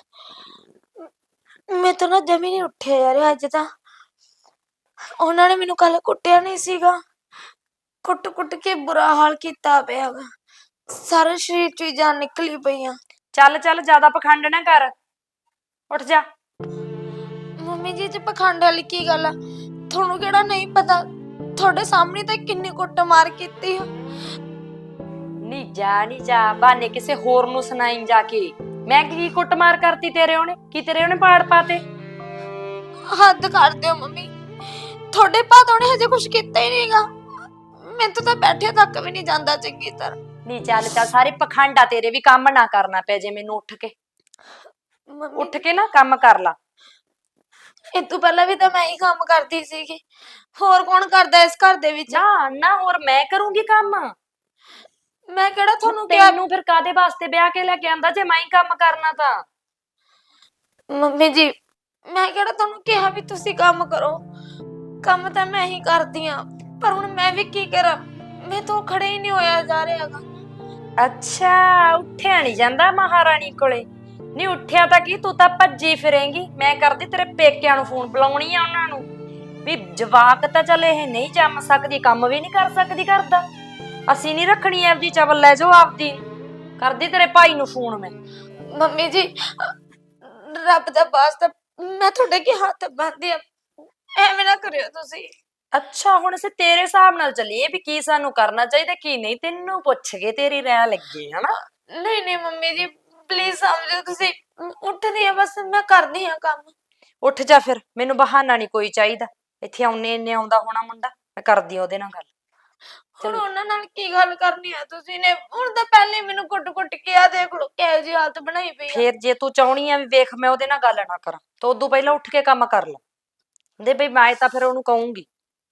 [SPEAKER 2] ਮੈਂ ਤਾਂ ਨਾ ਜਮੀ ਨਹੀਂ ਉੱਠਿਆ ਯਾਰ ਅੱਜ ਤਾਂ। ਉਹਨਾਂ ਨੇ ਮੈਨੂੰ ਕੱਲ ਕੁੱਟਿਆ ਨਹੀਂ ਸੀਗਾ, ਕੁੱਟ ਕੇ ਬੁਰਾ ਹਾਲ ਕੀਤਾ ਪਿਆ ਵਾ। ਸਾਰੇ ਸਰੀਰ ਚ ਜਾਨ ਨਿਕਲੀ ਪਈ ਆ।
[SPEAKER 1] ਚੱਲ ਜ਼ਿਆਦਾ ਪਖੰਡ ਨਾ ਕਰ, ਉੱਠ ਜਾ।
[SPEAKER 2] ਮੰਮੀ ਜੀ, ਤੇ ਪਖੰਡ ਵਾਲੀ ਕੀ ਗੱਲ ਆ? ਤੁਹਾਨੂੰ ਕਿਹੜਾ ਨਹੀਂ ਪਤਾ? ਤੁਹਾਡੇ ਸਾਹਮਣੇ ਤਾਂ ਕਿੰਨੀ ਕੁੱਟਮਾਰ ਕੀਤੀ ਆ।
[SPEAKER 1] ਨੀ ਜਾ ਬਹਾਨੇ ਕਿਸੇ ਹੋਰ ਨੂੰ ਸੁਣਾਈ ਜਾ ਕੇ। ਮੈਂ ਕੀ ਕੁੱਟਮਾਰ ਕਰਤੀ ਤੇਰੇ ਉਹਨੇ? ਕੀ ਤੇਰੇ ਉਹਨੇ ਪਾੜ ਪਾਤੇ?
[SPEAKER 2] ਹੱਦ ਕਰ ਦਿਓ ਮੰਮੀ, ਤੁਹਾਡੇ ਭਾਦੋਂ ਨੇ ਹਜੇ ਕੁਝ ਕੀਤਾ ਹੀ ਨਹੀਂਗਾ। ਮੈਨੂੰ ਤਾਂ ਬੈਠੇ ਤੱਕ ਵੀ ਨਹੀਂ ਜਾਂਦਾ ਚੰਗੀ ਤਰ੍ਹਾਂ।
[SPEAKER 1] ਨੀ ਚੱਲ ਸਾਰੇ ਪਖੰਡ ਆ ਤੇਰੇ ਵੀ। ਕੰਮ ਨਾ ਕਰਨਾ ਪੈ ਜੇ ਮੈਨੂੰ। ਉੱਠ ਕੇ ਨਾ ਕੰਮ ਕਰ ਲਾ।
[SPEAKER 2] ਇਹ ਤੋਂ ਪਹਿਲਾਂ ਵੀ ਤਾਂ ਮੈਂ ਹੀ ਕੰਮ ਕਰਦੀ ਸੀਗੀ, ਹੋਰ ਕੌਣ ਕਰਦਾ ਇਸ ਘਰ ਦੇ ਵਿੱਚ?
[SPEAKER 1] ਨਾ ਹੋਰ ਮੈਂ ਕਰੂੰਗੀ ਕੰਮ।
[SPEAKER 2] ਮੈਂ ਕਿਹੜਾ ਤੁਹਾਨੂੰ ਕਿਹਾ?
[SPEAKER 1] ਤੈਨੂੰ ਫਿਰ ਕਾਦੇ ਵਾਸਤੇ ਵਿਆਹ ਕੇ ਲੈ ਕੇ ਆਂਦਾ ਜੇ ਮੈਂ ਹੀ ਕੰਮ ਕਰਨਾ ਤਾਂ?
[SPEAKER 2] ਮੰਮੀ ਜੀ, ਮੈਂ ਕਿਹੜਾ ਤੁਹਾਨੂੰ ਕਿਹਾ ਵੀ ਤੁਸੀਂ ਕੰਮ ਕਰੋ? ਕੰਮ ਤਾਂ ਮੈਂ ਹੀ ਕਰਦੀ ਆ, ਪਰ ਹੁਣ ਮੈਂ ਵੀ ਕੀ ਕਰਾਂ? ਮੈਂ ਤਾਂ ਖੜੇ ਹੀ ਨਹੀਂ ਹੋਇਆ ਜਾ ਰਿਹਾਗਾ।
[SPEAKER 1] ਅੱਛਾ, ਉੱਠਿਆ ਨਹੀਂ ਜਾਂਦਾ ਮਹਾਰਾਣੀ ਕੋਲੇ? ਨਹੀਂ ਉੱਠਿਆ ਤਾਂ ਕੀ, ਤੂੰ ਤਾਂ ਭੱਜੀ ਫਿਰੇਂਗੀ। ਮੈਂ ਕਰਦੀ ਤੇਰੇ ਪੇਕਿਆਂ ਨੂੰ ਫੋਨ, ਬੁਲਾਉਣੀ ਆ ਉਹਨਾਂ ਨੂੰ ਵੀ ਜਵਾਕ ਤਾਂ ਚੱਲ ਇਹ ਨਹੀਂ ਜੰਮ ਸਕਦੀ, ਕੰਮ ਵੀ ਨਹੀਂ ਕਰ ਸਕਦੀ ਕਰਦਾ। ਅਸੀਂ ਨਹੀਂ ਰੱਖਣੀ ਆਪਦੀ ਚਵਲ, ਲੈ ਜਾਓ ਆਪਦੀ। ਕਰਦੀ ਤੇਰੇ ਭਾਈ ਨੂੰ ਫੋਨ ਮੈਂ।
[SPEAKER 2] ਮੰਮੀ ਜੀ, ਰੱਬ ਦਾ ਵਾਸਤਾ ਮੈਂ ਤੁਹਾਡੇ ਅੱਗੇ ਹੱਥ ਬੰਨ੍ਹਦੀ ਆ, ਐਵੇਂ ਨਾ ਕਰਿਓ ਤੁਸੀਂ।
[SPEAKER 1] ਅੱਛਾ ਹੁਣ ਅਸੀਂ ਤੇਰੇ ਹਿਸਾਬ ਨਾਲ ਚੱਲੀਏ ਵੀ ਕੀ ਸਾਨੂੰ ਕਰਨਾ ਚਾਹੀਦਾ ਕੀ ਨਹੀਂ, ਤੈਨੂੰ ਪੁੱਛ ਕੇ ਤੇਰੀ ਰਾਇ ਲੱਗੀ ਹਨਾ।
[SPEAKER 2] ਨਹੀਂ ਨਹੀਂ ਮੰਮੀ ਜੀ ਪਲੀਜ਼ ਸਮਝੋ ਤੁਸੀਂ। ਉੱਠਦੀ ਆ ਬਸ, ਮੈਂ ਕਰਦੀ ਆ ਕੰਮ।
[SPEAKER 1] ਉੱਠ ਜਾ ਫਿਰ, ਮੈਨੂੰ ਬਹਾਨਾ ਨਹੀਂ ਕੋਈ ਚਾਹੀਦਾ। ਇੱਥੇ ਆਉਣੇ ਇੰਨੇ ਆਉਂਦਾ ਹੋਣਾ ਮੁੰਡਾ, ਮੈਂ ਕਰਦੀ ਆ ਉਹਦੇ ਨਾਲ ਗੱਲ।
[SPEAKER 2] ਹੁਣ
[SPEAKER 1] ਚਲੋ
[SPEAKER 2] ਉਹਨਾਂ ਨਾਲ ਕੀ ਗੱਲ ਕਰਨੀ ਆ ਤੁਸੀਂ ਨੇ? ਹੁਣ ਤਾਂ ਪਹਿਲੇ ਮੈਨੂੰ ਕੁੱਟ-ਕੁੱਟ ਕੇ ਆ ਦੇਖ ਲੋ ਕਿਹੋ ਜਿਹੀ ਹਾਲਤ ਬਣਾਈ ਪਈ ਆ।
[SPEAKER 1] ਫੇਰ ਜੇ ਤੂੰ ਚਾਹਣੀ ਆ ਵੀ ਵੇਖ ਮੈਂ ਉਹਦੇ ਨਾਲ ਗੱਲ ਨਾ ਕਰਾਂ ਤਾਂ ਉਦੋਂ ਪਹਿਲਾਂ ਉੱਠ ਕੇ ਕੰਮ ਕਰ ਲੈ ਦੇ ਬਈ, ਮੈਂ ਤਾਂ ਫਿਰ ਉਹਨੂੰ ਕਹੂੰਗੀ।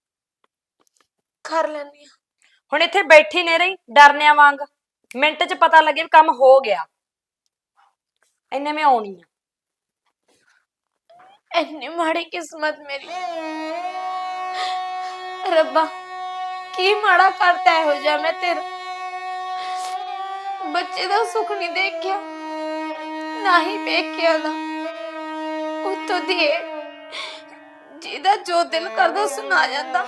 [SPEAKER 2] ਕਰ ਲੈਣੀ ਆ।
[SPEAKER 1] ਹੁਣ ਇੱਥੇ ਬੈਠੀ ਨੇ ਰਹੀ ਡਰਨਿਆਂ ਵਾਂਗ, ਮਿੰਟ 'ਚ ਪਤਾ ਲੱਗੇ ਵੀ ਕੰਮ ਹੋ ਗਿਆ। ਇੰਨੇ ਮੈਂ ਆਉਣੀ ਆ।
[SPEAKER 2] ਇੰਨੀ ਮਾੜੀ ਕਿਸਮਤ ਮੇਰੀ। ਰੱਬਾ ਕੀ ਮਾੜਾ ਕਰਤਾ ਇਹੋ ਜਿਹਾ ਮੈਂ ਤੇਰਾ। ਬੱਚੇ ਦਾ ਸੁੱਖ ਨਹੀਂ ਦੇਖਿਆ, ਨਾ ਹੀ ਵੇਖਿਆ ਦਾ। ਉੱਤੋਂ ਦੀ ਜਿਹਦਾ ਜੋ ਦਿਲ ਕਰਦਾ ਸੁਣਾ ਜਾਂਦਾ।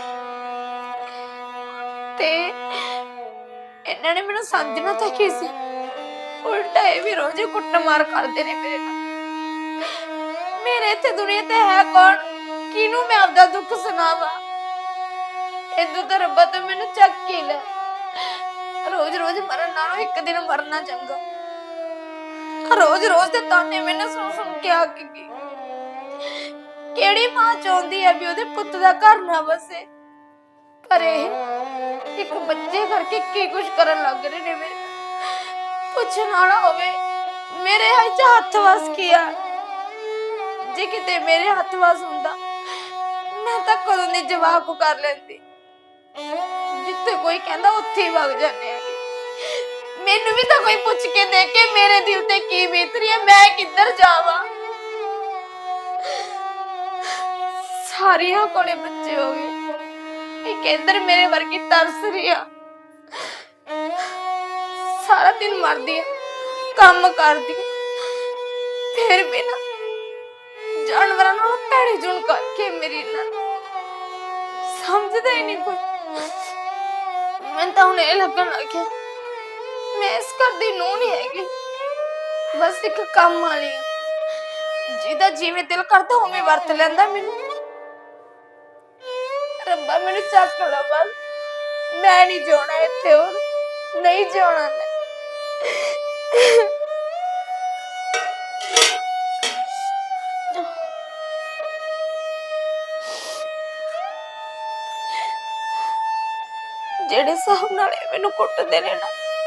[SPEAKER 2] ਤੇ ਇਹਨਾਂ ਨੇ ਮੈਨੂੰ ਸਮਝਣਾ ਤਾਂ ਕੀ ਸੀ, ਉਲਟਾ ਇਹ ਵੀ ਰੋਜ਼ ਕੁੱਟਮਾਰ ਕਰਦੇ ਨੇ ਮੇਰੇ ਨਾਲ। ਮੇਰੇ ਇੱਥੇ ਦੁਨੀਆ ਤੇ ਹੈ ਕੌਣ, ਕਿਹਨੂੰ ਮੈਂ ਆਪਦਾ ਦੁੱਖ ਸੁਣਾਵਾਂ? ਇਦੋਂ ਤਾਂ ਰੱਬਾ ਤਾਂ ਮੈਨੂੰ ਚੱਕ ਕੇ ਲੈ। ਰੋਜ਼ ਰੋਜ਼ ਮਰਨ ਨਾਲੋਂ ਇੱਕ ਦਿਨ ਮਰਨਾ ਚੰਗਾ। ਰੋਜ਼ ਰੋਜ਼ ਦੇ ਤਾਨੇ ਮੈਨੂੰ ਸੁਣ ਸੁਣ ਕੇ ਆ ਕੇ ਗਈ। ਕਿਹੜੀ ਮਾਂ ਚਾਹੁੰਦੀ ਹੈ ਵੀ ਉਹਦੇ ਪੁੱਤ ਦਾ ਘਰ ਨਾ ਵਸੇ? ਪਰ ਇਹ ਇੱਕ ਬੱਚੇ ਕਰਕੇ ਕੀ ਕੁਝ ਕਰਨ ਲੱਗ ਰਹੇ ਨੇ ਮੇਰੇ। ਪੁੱਛਣ ਵਾਲਾ ਹੋਵੇ ਮੇਰੇ ਹੱਥ ਵਸ ਕੀ ਆ? ਜੇ ਕਿਤੇ ਮੇਰੇ ਹੱਥ ਵਸ ਹੁੰਦਾ ਮੈਂ ਤਾਂ ਕਦੋਂ ਦੀ ਜਵਾਬ ਕਰ ਲੈਂਦੀ। ਜਿੱਥੇ ਕੋਈ ਕਹਿੰਦਾ ਉੱਥੇ ਹੀ ਵਗ ਜਾਂਦੇ ਹੈਗੇ। ਮੈਨੂੰ ਵੀ ਤਾਂ ਕੋਈ ਪੁੱਛ ਕੇ ਦੇਖ ਕੇ ਮੇਰੇ ਦਿਲ ਤੇ ਕੀ ਬੀਤ ਰਹੀ ਹੈ, ਮੈਂ ਕਿੱਧਰ ਜਾਵਾਂ? ਸਾਰਿਆਂ ਕੋਲੇ ਬੱਚੇ ਹੋ ਗਏ, ਇੱਕ ਇੱਧਰ ਮੇਰੇ ਵਰਗੀ ਤਰਸ ਰਹੀ ਆ। ਸਾਰਾ ਦਿਨ ਮਰਦੀ ਆ, ਕੰਮ ਕਰਦੀ ਆ, ਫਿਰ ਵੀ ਨਾ ਜਾਨਵਰਾਂ ਨਾਲ ਭੈੜੀ ਜੁਣ ਕਰਕੇ ਮੇਰੀ ਨਾਲ ਸਮਝਦਾ ਹੀ ਨਹੀਂ ਕੋਈ। ਮੈਨੂੰ ਤਾਂ ਹੁਣ ਇਹ ਲੱਗਣ ਲੱਗਿਆ ਮੈਂ ਇਸ ਘਰ ਦੀ ਨੂੰਹ ਨਹੀਂ ਹੈਗੀ, ਬਸ ਇੱਕ ਕੰਮ ਵਾਲੀ ਆ, ਜਿਹਦਾ ਜਿਵੇਂ ਦਿਲ ਕਰਦਾ ਉਵੇਂ ਵਰਤ ਲੈਂਦਾ ਮੈਨੂੰ। ਰੱਬਾ ਮੈਨੂੰ ਚੱਕ ਲੈ ਬਸ, ਮੈਂ ਨਹੀਂ ਜਿਉਣਾ ਇੱਥੇ, ਹੋਰ ਨਹੀਂ ਜਿਉਣਾ ਮੈਂ। ਜਿਹੜੇ ਹਿਸਾਬ ਨਾਲ ਇਹ ਮੈਨੂੰ ਕੁੱਟਦੇ ਨੇ ਨਾ,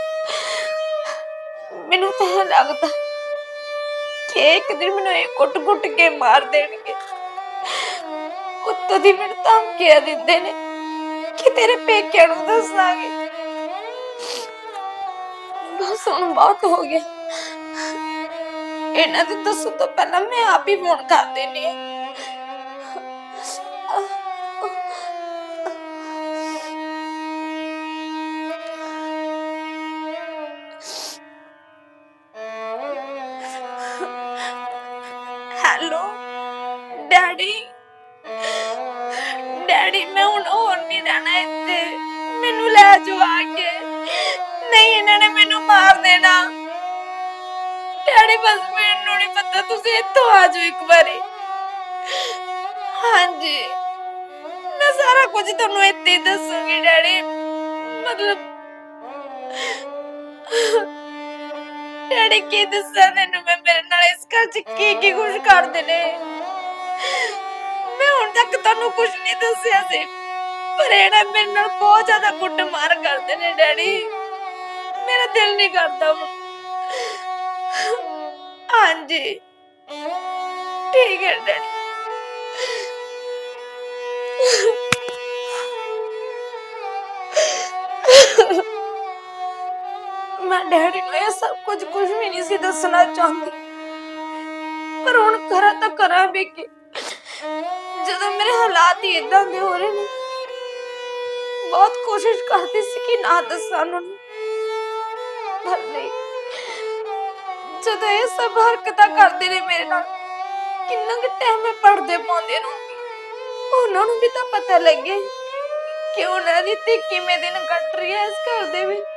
[SPEAKER 2] ਮੈਨੂੰ ਤਾਂ ਇਹ ਲੱਗਦਾ ਕਿ ਇੱਕ ਦਿਨ ਮੈਨੂੰ ਇਹ ਕੁੱਟ-ਕੁੱਟ ਕੇ ਮਾਰ ਦੇਣਗੇ। ਉੱਤੋਂ ਦੀ ਮੈਨੂੰ ਧਮਕੀਆਂ ਦਿੰਦੇ ਨੇ ਕਿ ਤੇਰੇ ਪੇਕਿਆਂ ਨੂੰ ਦੱਸਾਂਗੇ। ਬਸ ਹੁਣ ਬਹੁਤ ਹੋ ਗਿਆ, ਇਹਨਾਂ ਦੇ ਦੱਸਣ ਤੋਂ ਪਹਿਲਾਂ ਮੈਂ ਆਪ ਹੀ ਫੋਨ ਕਰ ਦੇਣੀ ਆ। ਹੈਲੋ ਡੈਡੀ, ਡੈਡੀ ਮੈਂ ਹੁਣ ਹੋਰ ਨਹੀਂ ਰਹਿਣਾ ਇੱਥੇ, ਮੈਨੂੰ ਲੈ ਜਾਓ ਆ ਕੇ। ਨਹੀਂ ਇਹਨਾਂ ਨੇ ਮੈਨੂੰ ਮਾਰ ਦੇਣਾ। ਡੈਡੀ ਬਸ ਮੈਨੂੰ ਨਹੀਂ ਪਤਾ, ਤੁਸੀਂ ਇੱਥੋਂ ਆ ਜਾਓ ਇੱਕ ਵਾਰੀ। ਹਾਂਜੀ ਮੈਂ ਸਾਰਾ ਕੁਝ ਤੁਹਾਨੂੰ ਇੱਥੇ ਹੀ ਦੱਸੂਗੀ ਡੈਡੀ। ਮਤਲਬ ਡੈਡੀ ਕੀ ਦੱਸਾਂ ਤੈਨੂੰ ਮੈਂ, ਮੇਰੇ ਨਾਲ ਇਸ ਘਰ ਚ ਕੀ ਕੀ ਕੁਝ ਕਰਦੇ ਨੇ। ਮੈਂ ਹੁਣ ਤੱਕ ਤੁਹਾਨੂੰ ਕੁਝ ਨਹੀਂ ਦੱਸਿਆ ਸੀ, ਪਰ ਇਹਨਾਂ ਮੇਰੇ ਨਾਲ ਬਹੁਤ ਜ਼ਿਆਦਾ ਕੁੱਟਮਾਰ ਕਰਦੇ ਨੇ ਡੈਡੀ। ਮੇਰਾ ਦਿਲ ਨਹੀਂ ਕਰਦਾ ਹੁਣ। ਹਾਂਜੀ ਠੀਕ ਹੈ ਡੈਡੀ। ਮੈਂ ਡੈਡੀ ਨੂੰ ਇਹ ਸਭ ਕੁਝ ਵੀ ਨਹੀਂ ਸੀ ਦੱਸਣਾ ਚਾਹੁੰਦੀ, ਪਰ ਹੁਣ ਕਰਾਂ ਤਾਂ ਕਰਾਂ ਵੀ ਕੀ, ਜਦੋਂ ਮੇਰੇ ਹਾਲਾਤ ਹੀ ਇਦਾਂ ਦੇ ਹੋ ਰਹੇ ਨੇ। ਬਹੁਤ ਕੋਸ਼ਿਸ਼ ਕਰਦੀ ਸੀ ਕਿ ਨਾ ਦੱਸਾਂ ਉਹਨਾਂ ਨੂੰ, ਪਰ ਨਹੀਂ। ਜਦੋਂ ਇਹ ਸਭ ਹਰਕਤਾਂ ਕਰਦੇ ਨੇ ਮੇਰੇ ਨਾਲ, ਕਿੰਨਾ ਕੁ ਟਾਈਮ ਮੈਂ ਪੜਦੇ ਪਾਉਂਦੇ ਰਹੂੰਗੀ। ਉਹਨਾਂ ਨੂੰ ਵੀ ਤਾਂ ਪਤਾ ਲੱਗੇ ਕਿ ਉਹਨਾਂ ਦੀ ਧੀ ਕਿਵੇਂ ਦਿਨ ਕੱਟ ਰਹੀ ਹੈ ਇਸ ਘਰ ਦੇ ਵਿੱਚ।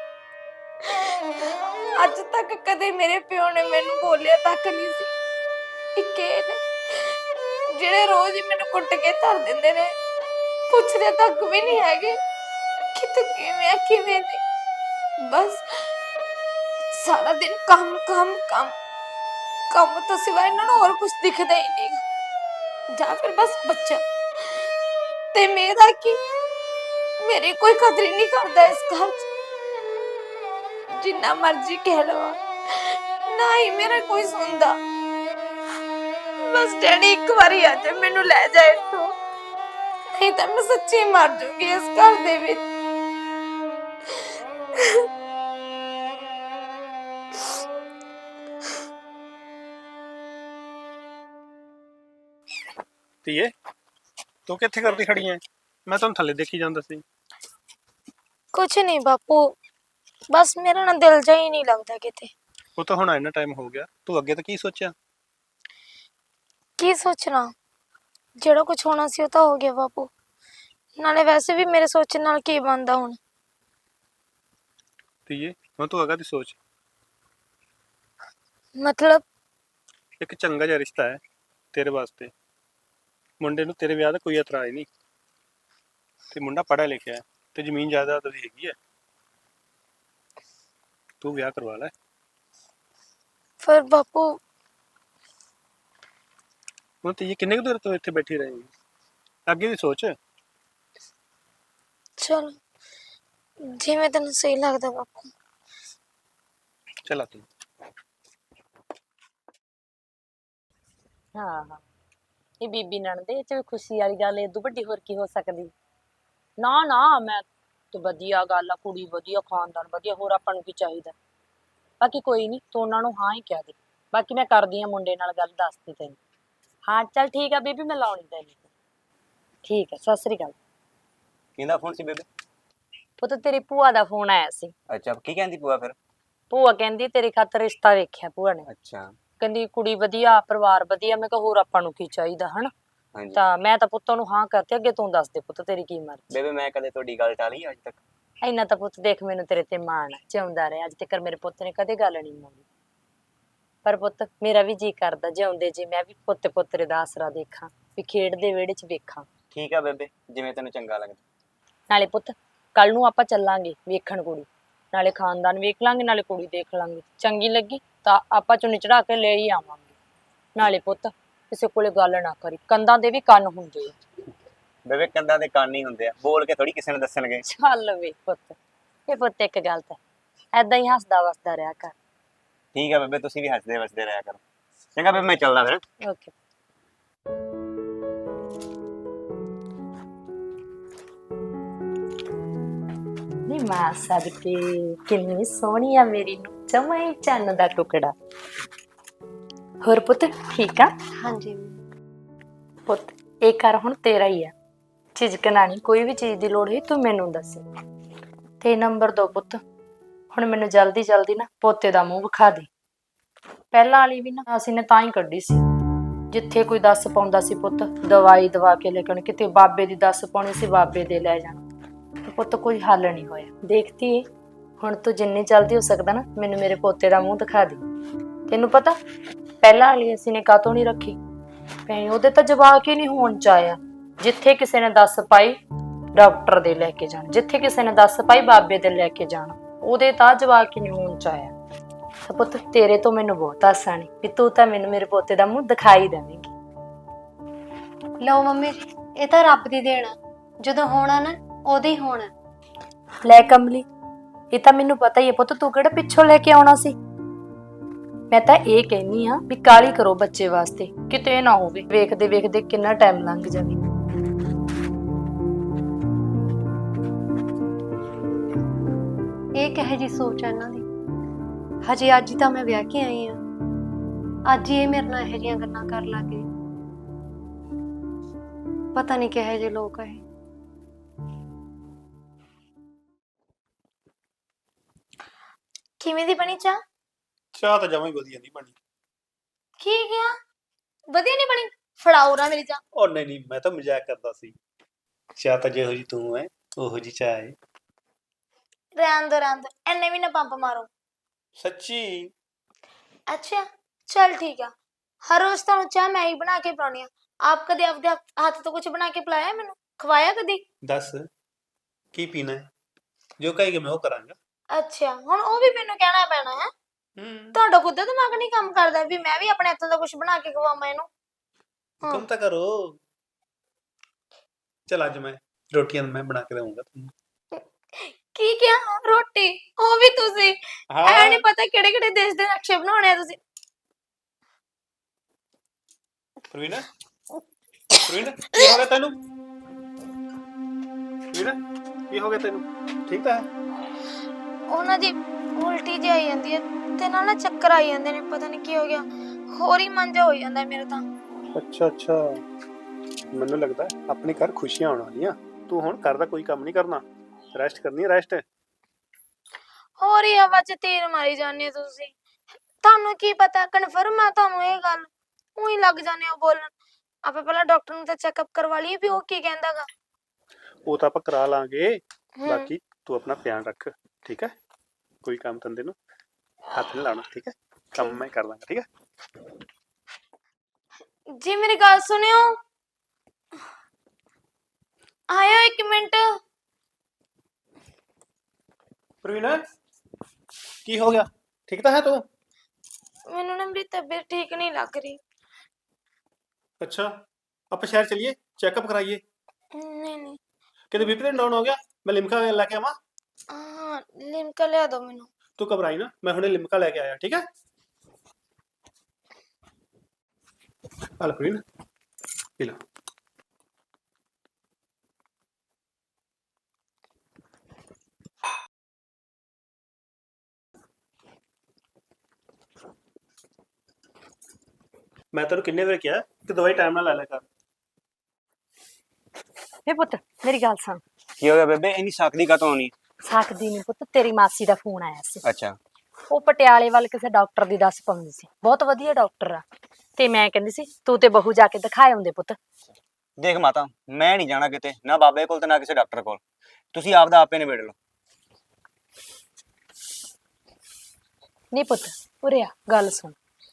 [SPEAKER 2] ਅੱਜ ਤੱਕ ਕਦੇ ਮੇਰੇ ਪਿਓ ਨੇ ਮੈਨੂੰ ਬੋਲਿਆ ਤੱਕ ਨਹੀਂ ਸੀ। ਇੱਕ ਇਹ ਨੇ ਜਿਹੜੇ ਰੋਜ਼ ਹੀ ਮੈਨੂੰ ਕੁੱਟ ਕੇ ਧਰ ਦਿੰਦੇ ਨੇ ਪੁੱਛਦੇ ਤੱਕ ਵੀ ਨਹੀਂ ਹੈਗੇ ਕਿ ਤੂੰ ਕਿਵੇਂ ਆ ਕਿਵੇਂ ਨਹੀਂ। ਬਸ ਸਾਰਾ ਦਿਨ ਕੰਮ ਕੰਮ ਕੰਮ ਕੰਮ ਤੋਂ ਸਿਵਾ ਇਹਨਾਂ ਨੂੰ ਹੋਰ ਕੁਝ ਦਿਖਦਾ ਹੀ ਨਹੀਂ। ਜਾਂ ਫਿਰ ਬਸ ਬੱਚਾ ਤੇ ਮੇਰਾ ਕੀ, ਮੇਰੀ ਕੋਈ ਕਦਰ ਹੀ ਨਹੀਂ ਕਰਦਾ ਇਸ ਘਰ 'ਚ। ਜਿੰਨਾ ਮਰਜ਼ੀ ਕਹਿ ਲਵਾਂ ਨਾ ਹੀ ਮੇਰਾ ਕੋਈ ਸੁਣਦਾ। ਬਸ ਡੈਡੀ ਇੱਕ ਵਾਰੀ ਆ ਜਾ ਮੈਨੂੰ ਲੈ ਜਾਏ ਇੱਥੋਂ, ਨਹੀਂ ਤਾਂ ਮੈਂ ਸੱਚੀ ਮਰ ਜੂਗੀ ਇਸ ਘਰ ਦੇ ਵਿੱਚ।
[SPEAKER 4] ਧੀਏ ਤੂੰ ਕਿੱਥੇ ਕਰਦੀ ਖੜੀ ਐ? ਮੈਂ ਤੁਹਾਨੂੰ ਥੱਲੇ ਦੇਖੀ ਜਾਂਦਾ ਸੀ।
[SPEAKER 2] ਕੁਛ ਨਹੀਂ ਬਾਪੂ, ਬਸ ਮੇਰਾ ਨਾ ਦਿਲ ਜਾ ਹੀ ਨਹੀਂ ਲੱਗਦਾ ਕਿਤੇ।
[SPEAKER 4] ਉਹ ਤਾਂ ਹੁਣ ਇੰਨਾ ਟਾਈਮ ਹੋ ਗਿਆ, ਤੂੰ ਅੱਗੇ ਤਾਂ ਕੀ ਸੋਚਿਆ?
[SPEAKER 2] ਕੀ ਸੋਚਣਾ, ਜਿਹੜਾ ਕੁਝ ਹੋਣਾ ਸੀ ਉਹ ਤਾਂ ਹੋ ਗਿਆ ਬਾਪੂ। ਨਾਲੇ ਵੈਸੇ ਵੀ ਮੇਰੇ ਸੋਚਣ ਨਾਲ ਕੀ ਬਣਦਾ ਹੁਣ।
[SPEAKER 4] ਧੀਏ ਹੁਣ ਤੂੰ ਅੱਗੇ ਦੀ ਸੋਚ।
[SPEAKER 2] ਮਤਲਬ
[SPEAKER 4] ਇੱਕ ਚੰਗਾ ਜਿਹਾ ਰਿਸ਼ਤਾ ਹੈ ਤੇਰੇ ਵਾਸਤੇ। ਮੁੰਡੇ ਨੂੰ ਤੇਰੇ ਵਿਆਹ ਦਾ ਕੋਈ ਇਤਰਾਜ਼ ਨਹੀਂ, ਤੇ ਮੁੰਡਾ ਪੜ੍ਹਿਆ ਲਿਖਿਆ ਹੈ ਤੇ ਜ਼ਮੀਨ ਜਾਇਦਾਦ ਉਹਦੀ ਹੈਗੀ ਹੈ। ਤੂੰ ਵਿਆਹ ਕਰਵਾ ਲੈ।
[SPEAKER 2] ਫਿਰ ਬਾਪੂ
[SPEAKER 4] ਹੁਣ ਧੀਏ ਕਿੰਨੇ ਕੁ ਦੇਰ ਤੋਂ ਇੱਥੇ ਬੈਠੀ ਰਹੇਗੀ? ਅੱਗੇ ਦੀ ਸੋਚ।
[SPEAKER 2] ਚਲ ਜਿਵੇਂ ਤੈਨੂੰ ਸਹੀ ਲੱਗਦਾ ਬਾਪੂ।
[SPEAKER 4] ਚੱਲ ਆ ਤੂੰ।
[SPEAKER 1] ਹਾਂ ਇਹ ਬੀਬੀ ਨਣਦੇ ਇਹ ਚ ਵੀ ਖੁਸ਼ੀ ਵਾਲੀ ਗੱਲ ਏਦੂ ਵੱਡੀ ਹੋਰ ਕੀ ਹੋ ਸਕਦੀ। ਨਾ ਨਾ ਮੈਂ ਤੇ ਵਧੀਆ ਗੱਲ ਆ, ਕੁੜੀ ਵਧੀਆ, ਖਾਨਦਾਨ ਵਧੀਆ, ਹੋਰ ਆਪਾਂ ਨੂੰ ਕੀ ਚਾਹੀਦਾ। ਬਾਕੀ ਕੋਈ ਨਹੀਂ, ਤੂੰ ਉਹਨਾਂ ਨੂੰ ਹਾਂ ਹੀ ਕਹਿ ਦੇ। ਬਾਕੀ ਮੈਂ ਕਰਦੀ ਆ ਮੁੰਡੇ ਨਾਲ ਗੱਲ, ਦੱਸਦੀ ਤੈਨੂੰ। ਹਾਂ ਚੱਲ ਠੀਕ ਆ ਬੀਬੀ, ਮੈਂ ਲਾਉਣੀ ਤੈਨੂੰ। ਠੀਕ ਆ, ਸਤਿ ਸ੍ਰੀ ਅਕਾਲ।
[SPEAKER 3] ਕਿਹਦਾ ਫੋਨ ਸੀ ਬੇਬੇ?
[SPEAKER 1] ਪੁੱਤ ਤੇਰੀ ਭੂਆ ਦਾ ਫੋਨ ਆਇਆ ਸੀ।
[SPEAKER 3] ਅੱਛਾ, ਕੀ ਕਹਿੰਦੀ ਭੂਆ ਫਿਰ?
[SPEAKER 1] ਭੂਆ ਕਹਿੰਦੀ ਤੇਰੇ ਖਾਤਰ ਰਿਸ਼ਤਾ ਵੇਖਿਆ ਭੂਆ ਨੇ।
[SPEAKER 3] ਅੱਛਾ।
[SPEAKER 1] ਕਹਿੰਦੀ ਕੁੜੀ ਵਧੀਆ, ਪਰਿਵਾਰ ਵਧੀਆ। ਮੈਂ ਕਿਹਾ ਹੋਰ ਆਪਾਂ ਨੂੰ ਕੀ ਚਾਹੀਦਾ ਹਨਾ।
[SPEAKER 3] ਹਾਂਜੀ
[SPEAKER 1] ਤਾਂ ਮੈਂ ਤਾਂ ਪੁੱਤ ਨੂੰ ਹਾਂ ਕਰਤੀ। ਅੱਗੇ ਤੂੰ ਦੱਸ ਦੇ ਪੁੱਤ ਤੇਰੀ ਕੀ ਮਰਜ਼ੀ।
[SPEAKER 3] ਬੇਬੇ, ਮੈਂ ਕਦੇ ਤੁਹਾਡੀ ਗੱਲ ਟਾਲੀ ਅੱਜ ਤੱਕ?
[SPEAKER 1] ਇੰਨਾ ਤਾਂ ਪੁੱਤ ਦੇਖ ਮੈਨੂੰ ਤੇਰੇ ਤੇ ਮਾਣ ਆ, ਜਿਉਂਦਾ ਰਿਹਾ ਅੱਜ ਤੱਕ ਮੇਰੇ ਪੁੱਤ ਨੇ ਕਦੇ ਗੱਲ ਨਹੀਂ ਮੋੜੀ। ਪਰ ਪੁੱਤ ਮੇਰਾ ਵੀ ਜੀ ਕਰਦਾ ਜਿਉਂਦੇ ਜੀ ਮੈਂ ਵੀ ਪੁੱਤ ਪੁੱਤਰੇ ਦਾ ਆਸਰਾ ਦੇਖਾਂ, ਵੀ ਖੇਡਦੇ ਵਿਹੜੇ 'ਚ ਵੇਖਾਂ।
[SPEAKER 3] ਠੀਕ ਆ ਬੇਬੇ, ਜਿਵੇਂ ਤੈਨੂੰ ਚੰਗਾ ਲੱਗਦਾ।
[SPEAKER 1] ਨਾਲੇ ਪੁੱਤ ਕੱਲ ਨੂੰ ਆਪਾਂ ਚੱਲਾਂਗੇ ਵੇਖਣ ਕੁੜੀ, ਨਾਲੇ ਖਾਨਦਾਨ ਵੇਖ ਲਾਂਗੇ, ਨਾਲੇ ਕੁੜੀ ਦੇਖ ਲਾਂਗੇ। ਚੰਗੀ ਲੱਗੀ ਤਾਂ ਆਪਾਂ ਚੁੰਨੀ ਚੜਾ ਕੇ ਲੈ ਹੀ ਆਵਾਂਗੇ। ਨਾਲੇ ਪੁੱਤ ਕਿਸੇ ਕੋਲੇ ਗੱਲ ਨਾ ਕਰੀ, ਕੰਧਾਂ ਦੇ ਵੀ ਕੰਨ ਹੁੰਦੇ ਆ।
[SPEAKER 3] ਬੇਬੇ, ਕੰਧਾਂ ਦੇ ਕੰਨ ਹੀ ਹੁੰਦੇ ਆ, ਬੋਲ ਕੇ ਥੋੜੀ ਕਿਸੇ ਨੂੰ ਦੱਸਣਗੇ।
[SPEAKER 1] ਚੱਲ ਵੇ ਪੁੱਤ, ਇਹ ਪੁੱਤ ਇੱਕ ਗੱਲ ਤਾਂ ਐਦਾਂ ਹੀ ਹੱਸਦਾ ਵਸਦਾ ਰਿਹਾ ਕਰ।
[SPEAKER 3] ਠੀਕ ਆ ਬੇਬੇ, ਤੁਸੀਂ ਵੀ ਹੱਸਦੇ ਵਸਦੇ ਰਿਹਾ ਕਰੋ। ਚੰਗਾ ਬੇਬੇ, ਮੈਂ ਚੱਲਦਾ ਫਿਰ।
[SPEAKER 1] ਓਕੇ। ਨੀ ਮਾਂ ਸਦਕੇ ਕਿੰਨੀ ਸੋਹਣੀ ਆ ਮੇਰੀ ਨੂੰ, ਜਮਾਂ ਹੀ ਚੰਨ ਦਾ ਟੁਕੜਾ। ਹੋਰ ਪੁੱਤ ਠੀਕ ਆ?
[SPEAKER 2] ਹਾਂਜੀ
[SPEAKER 1] ਪੁੱਤ ਇਹ ਘਰ ਹੁਣ ਤੇਰਾ ਹੀ ਆ, ਝਿਜਕਣਾ ਨਹੀਂ। ਕੋਈ ਵੀ ਚੀਜ਼ ਦੀ ਲੋੜ ਹੋਈ ਤੂੰ ਮੈਨੂੰ ਦੱਸ। ਤੇ ਨੰਬਰ 2 ਪੁੱਤ, ਹੁਣ ਮੈਨੂੰ ਜਲਦੀ ਜਲਦੀ ਨਾ ਪੋਤੇ ਦਾ ਮੂੰਹ ਵਿਖਾ ਦੇ। ਪਹਿਲਾਂ ਵਾਲੀ ਵੀ ਨਾ ਅਸੀਂ ਨੇ ਤਾਂ ਹੀ ਕੱਢੀ ਸੀ, ਜਿੱਥੇ ਕੋਈ ਦੱਸ ਪਾਉਂਦਾ ਸੀ ਪੁੱਤ ਦਵਾਈ ਦਵਾ ਕੇ ਲੈ ਕੇ ਆਉਣੀ, ਕਿਤੇ ਬਾਬੇ ਦੀ ਦੱਸ ਪਾਉਣੀ ਸੀ ਬਾਬੇ ਦੇ ਲੈ ਜਾਣਾ। ਪੁੱਤ ਕੋਈ ਹੱਲ ਨਹੀਂ ਹੋਇਆ। ਦੇਖਤੀ ਹੁਣ ਤੂੰ ਜਿੰਨੀ ਜਲਦੀ ਹੋ ਸਕਦਾ ਨਾ ਮੈਨੂੰ ਮੇਰੇ ਪੋਤੇ ਦਾ ਮੂੰਹ ਦਿਖਾ ਦੇ। ਤੈਨੂੰ ਪਤਾ ਪਹਿਲਾਂ ਵਾਲੀ ਅਸੀਂ ਨੇ ਕਾਤੋਂ ਨਹੀਂ ਰੱਖੀ ਭੈਣ, ਉਹਦੇ ਤਾਂ ਜਵਾਕ ਹੀ ਨਹੀਂ ਹੋਣ ਚ ਆਇਆ। ਜਿੱਥੇ ਕਿਸੇ ਨੇ ਦੱਸ ਪਾਈ ਡਾਕਟਰ ਦੇ ਲੈ ਕੇ ਜਾਣਾ, ਜਿੱਥੇ ਕਿਸੇ ਨੇ ਦੱਸ ਪਾਈ ਬਾਬੇ ਦੇ ਲੈ ਕੇ ਜਾਣਾ, ਉਹਦੇ ਤਾਂ ਜਵਾਕ ਹੀ ਨਹੀਂ ਹੋਣ ਚ ਆਇਆ। ਤਾਂ ਪੁੱਤ ਤੇਰੇ ਤੋਂ ਮੈਨੂੰ ਬਹੁਤ ਆਸਾਂ ਨੇ ਵੀ ਤੂੰ ਤਾਂ ਮੈਨੂੰ ਮੇਰੇ ਪੋਤੇ ਦਾ ਮੂੰਹ ਦਿਖਾਈ ਦੇਵੇਂਗੀ।
[SPEAKER 5] ਲਓ ਮੰਮੀ ਜੀ, ਇਹ ਤਾਂ ਰੱਬ ਦੀ ਦੇਣ ਆ, ਜਦੋਂ ਹੋਣਾ ਨਾ ਉਦੋਂ ਹੀ ਹੋਣਾ।
[SPEAKER 1] ਲੈ ਕਮਲੀ, ਇਹ ਤਾਂ ਮੈਨੂੰ ਪਤਾ ਹੀ ਹੈ ਪੁੱਤ, ਤੂੰ ਕਿਹੜਾ ਪਿੱਛੋਂ ਲੈ ਕੇ ਆਉਣਾ ਸੀ। ਮੈਂ ਤਾਂ ਇਹ ਕਹਿਨੀ ਆ ਵੀ ਕਾਹਲੀ ਕਰੋ ਬੱਚੇ ਵਾਸਤੇ, ਕਿਤੇ ਨਾ ਹੋਵੇ ਵੇਖਦੇ ਵੇਖਦੇ ਕਿੰਨਾ ਟਾਈਮ ਲੰਘ ਜਾਵੇ।
[SPEAKER 5] ਇਹ ਕਿਹੋ ਜੀ ਸੋਚ ਆ ਇਹਨਾਂ ਦੀ। ਹਜੇ ਅੱਜ ਹੀ ਤਾਂ ਮੈਂ ਵਿਆਹ ਕੇ ਆਈ ਆ, ਅੱਜ ਹੀ ਇਹ ਮੇਰੇ ਨਾਲ ਇਹੋ ਜਿਹੀਆਂ ਗੱਲਾਂ ਕਰਨ ਲੱਗ ਗਏ। ਪਤਾ ਨਹੀਂ ਕਿਹੋ ਜਿਹੇ ਲੋਕ ਆ ਇਹ।
[SPEAKER 2] ਕਿਵੇਂ ਦੀ ਬਣੀ ਚਾਹ?
[SPEAKER 4] ਚਾਹ ਤਾਂ ਜਮਾਂ ਹੀ ਵਧੀਆ ਨਹੀਂ ਬਣੀ।
[SPEAKER 2] ਕੀ ਗਿਆ? ਵਧੀਆ ਨਹੀਂ ਬਣੀ? ਫੜਾਓ ਨਾ ਮੇਰੀ ਚਾਹ।
[SPEAKER 4] ਉਹ ਨਹੀਂ ਨਹੀਂ, ਮੈਂ ਤਾਂ ਮਜ਼ਾਕ ਕਰਦਾ ਸੀ। ਚਾਹ ਤਾਂ ਜਿਹੋ ਜੀ ਤੂੰ ਹੈ ਉਹੋ ਜੀ ਚਾਹ ਹੈ।
[SPEAKER 2] ਰਹਿਣ ਦੋ, ਐਨੇ ਵੀ ਨਾ ਪੰਪ ਮਾਰੋ।
[SPEAKER 4] ਸੱਚੀ?
[SPEAKER 2] ਅੱਛਾ ਚਲ ਠੀਕ ਆ, ਹਰ ਰੋਜ਼ ਤੁਹਾਨੂੰ ਚਾਹ ਮੈਂ ਹੀ ਬਣਾ ਕੇ ਪਿਲਾਉਣੀ ਆ। ਆਪ ਕਦੇ ਆਪਦੇ ਹੱਥ ਤੋਂ ਕੁਝ ਬਣਾ ਕੇ ਪਿਲਾਇਆ ਮੈਨੂੰ? ਖਵਾਇਆ ਕਦੀ?
[SPEAKER 4] ਦੱਸ ਕੀ ਪੀਣਾ ਹੈ, ਜੋ ਕਹੇਗੀ ਮੈਂ ਉਹ ਕਰਾਂਗਾ।
[SPEAKER 2] ਅੱਛਾ, ਹੁਣ ਉਹ ਵੀ ਮੈਨੂੰ ਕਹਿਣਾ ਪੈਣਾ ਹੈ?
[SPEAKER 4] ਹੂੰ,
[SPEAKER 2] ਤੁਹਾਡਾ ਖੁਦ ਦਾ ਦਿਮਾਗ ਨਹੀਂ ਕੰਮ ਕਰਦਾ ਵੀ ਮੈਂ ਵੀ ਆਪਣੇ ਹੱਥਾਂ ਦਾ ਕੁਝ ਬਣਾ ਕੇ ਖਵਾਵਾਂ ਇਹਨੂੰ?
[SPEAKER 4] ਹੁਕਮ ਤਾਂ ਕਰੋ। ਚਲ ਅੱਜ ਮੈਂ ਰੋਟੀਆਂ ਮੈਂ ਬਣਾ ਕੇ ਦਊਂਗਾ ਤੁਹਾਨੂੰ।
[SPEAKER 2] ਕੀ ਕਿਹਾ? ਰੋਟੀ? ਉਹ ਵੀ ਤੁਸੀਂ? ਐ ਨਹੀਂ ਪਤਾ ਕਿਹੜੇ ਕਿਹੜੇ ਦੇਸ਼ ਦੇ ਨਕਸ਼ੇ ਬਣਾਉਣੇ ਆ ਤੁਸੀਂ।
[SPEAKER 4] ਪ੍ਰਵੀਨ ਪ੍ਰਵੀਨ ਕੀ ਹੋ ਗਿਆ ਤੈਨੂੰ? ਪ੍ਰਵੀਨ ਕੀ ਹੋ ਗਿਆ ਤੈਨੂੰ? ਠੀਕ ਤਾਂ ਹੈ?
[SPEAKER 2] ਉਹਨਾਂ ਦੀ ਉਲਟੀ ਜਿਹੀ ਆਈ ਜਾਂਦੀ ਹੈ ਤੇ ਨਾਲ ਨਾ ਚੱਕਰ ਆਈ ਜਾਂਦੇ ਨੇ, ਪਤਾ ਨਹੀਂ ਕੀ ਹੋ ਗਿਆ। ਹੋਰ ਹੀ ਮਨ ਜਿਹਾ ਹੋ ਜਾਂਦਾ ਮੇਰੇ ਤਾਂ।
[SPEAKER 4] ਅੱਛਾ ਅੱਛਾ, ਮੈਨੂੰ ਲੱਗਦਾ ਆਪਣੇ ਘਰ ਖੁਸ਼ੀਆਂ ਆਉਣ ਵਾਲੀਆਂ। ਤੂੰ ਹੁਣ ਘਰ ਦਾ ਕੋਈ ਕੰਮ ਨਹੀਂ ਕਰਨਾ, ਰੈਸਟ ਕਰਨੀ ਹੈ, ਰੈਸਟ।
[SPEAKER 2] ਹੋਰ ਹੀ ਹਵਾ 'ਚ ਤੀਰ ਮਾਰੀ ਜਾਂਦੇ ਹੋ ਤੁਸੀਂ। ਤੁਹਾਨੂੰ ਕੀ ਪਤਾ ਕਨਫਰਮ ਆ ਤੁਹਾਨੂੰ ਇਹ ਗੱਲ? ਉਹੀ ਲੱਗ ਜਾਂਦੇ ਹੋ ਬੋਲਣ। ਆਪਾਂ ਪਹਿਲਾਂ ਡਾਕਟਰ ਨੂੰ ਤਾਂ ਚੈੱਕਅਪ ਕਰਵਾ ਲਈਏ ਵੀ ਉਹ ਕੀ ਕਹਿੰਦਾਗਾ।
[SPEAKER 4] ਉਹ ਤਾਂ ਆਪਾਂ ਕਰਾ ਲਾਂਗੇ,
[SPEAKER 2] ਹੂੰ।
[SPEAKER 4] ਬਾਕੀ ਤੂੰ ਆਪਣਾ ਧਿਆਨ ਰੱਖ, ਠੀਕ ਹੈ? ਕੋਈ ਕੰਮ ਧੰਦੇ ਨੂੰ ਹੱਥ ਨਹੀਂ ਲਾਉਣਾ, ਠੀਕ ਹੈ? ਕੰਮ ਮੈਂ ਕਰ ਲਾਂਗਾ, ਠੀਕ ਹੈ?
[SPEAKER 2] ਜੀ ਮੇਰੀ ਗੱਲ ਸੁਣਿਓ, ਆਇਓ 1 ਮਿੰਟ।
[SPEAKER 4] ਪ੍ਰਵੀਨ ਕੀ ਹੋ ਗਿਆ? ਠੀਕ ਤਾਂ ਹੈ ਤੂੰ?
[SPEAKER 2] ਮੈਨੂੰ ਨਾ ਮੇਰੀ ਤਬੀਅਤ ਠੀਕ ਨਹੀਂ ਲੱਗ ਰਹੀ।
[SPEAKER 4] ਅੱਛਾ, ਆਪਾਂ ਸ਼ਹਿਰ ਚਲੀਏ, ਚੈੱਕਅਪ ਕਰਾਈਏ।
[SPEAKER 2] ਨਹੀਂ ਨਹੀਂ।
[SPEAKER 4] ਕਿਤੇ ਬੀਪੀ ਤਾਂ ਡਾਊਨ ਹੋ ਗਿਆ? ਮੈਂ ਲਿਮਕਾ ਲੈ ਕੇ ਆਵਾਂ?
[SPEAKER 2] ਹਾਂ, ਲਿਮਕਾ ਲਿਆ ਦਿਓ ਮੈਨੂੰ।
[SPEAKER 4] ਤੂੰ ਘਬਰਾਈ ਨਾ, ਮੈਂ ਹੁਣੇ ਲਿਮਕਾ ਲੈ ਕੇ ਆਇਆ, ਠੀਕ ਹੈ? ਆ ਲੈ ਪ੍ਰਵੀਨ, ਪੀ ਲਾ। ਮੈਂ ਤੈਨੂੰ ਕਿੰਨੇ ਵਾਰ ਕਿਹਾ ਕਿ ਦਵਾਈ ਟਾਈਮ ਨਾਲ ਲੈ ਲਿਆ ਕਰ।
[SPEAKER 1] ਵੇ ਪੁੱਤ ਮੇਰੀ ਗੱਲ ਸੁਣ।
[SPEAKER 3] ਕੀ ਹੋ ਗਿਆ ਬੇਬੇ, ਇੰਨੀ ਸਕਦੀ ਕਾਤੋਂ ਆਉਣੀ?
[SPEAKER 1] ਸਕਦੀ ਨਹੀਂ ਪੁੱਤ, ਤੇਰੀ ਮਾਸੀ ਦਾ ਫੋਨ ਆਇਆ ਸੀ।
[SPEAKER 3] ਅੱਛਾ।
[SPEAKER 1] ਉਹ ਪਟਿਆਲੇ ਵੱਲ ਕਿਸੇ ਡਾਕਟਰ ਦੀ ਦੱਸ ਪਾਉਂਦੀ ਸੀ, ਬਹੁਤ ਵਧੀਆ ਡਾਕਟਰ ਆ। ਤੇ ਮੈਂ ਕਹਿੰਦੀ ਸੀ ਤੂੰ ਤੇ ਬਹੂ ਜਾ ਕੇ ਦਿਖਾਏ ਆਉਂਦੇ ਪੁੱਤ।
[SPEAKER 3] ਦੇਖ ਮਾਤਾ, ਮੈਂ ਨਹੀਂ ਜਾਣਾ ਕਿਤੇ, ਨਾ ਬਾਬੇ ਕੋਲ ਤੇ ਨਾ ਕਿਸੇ ਡਾਕਟਰ ਕੋਲ। ਤੁਸੀਂ ਆਪਦਾ ਆਪੇ ਨਿਬੇੜ ਲਓ।
[SPEAKER 1] ਨਹੀਂ ਪੁੱਤ ਉਰੇ ਆ, ਗੱਲ ਸੁਣ।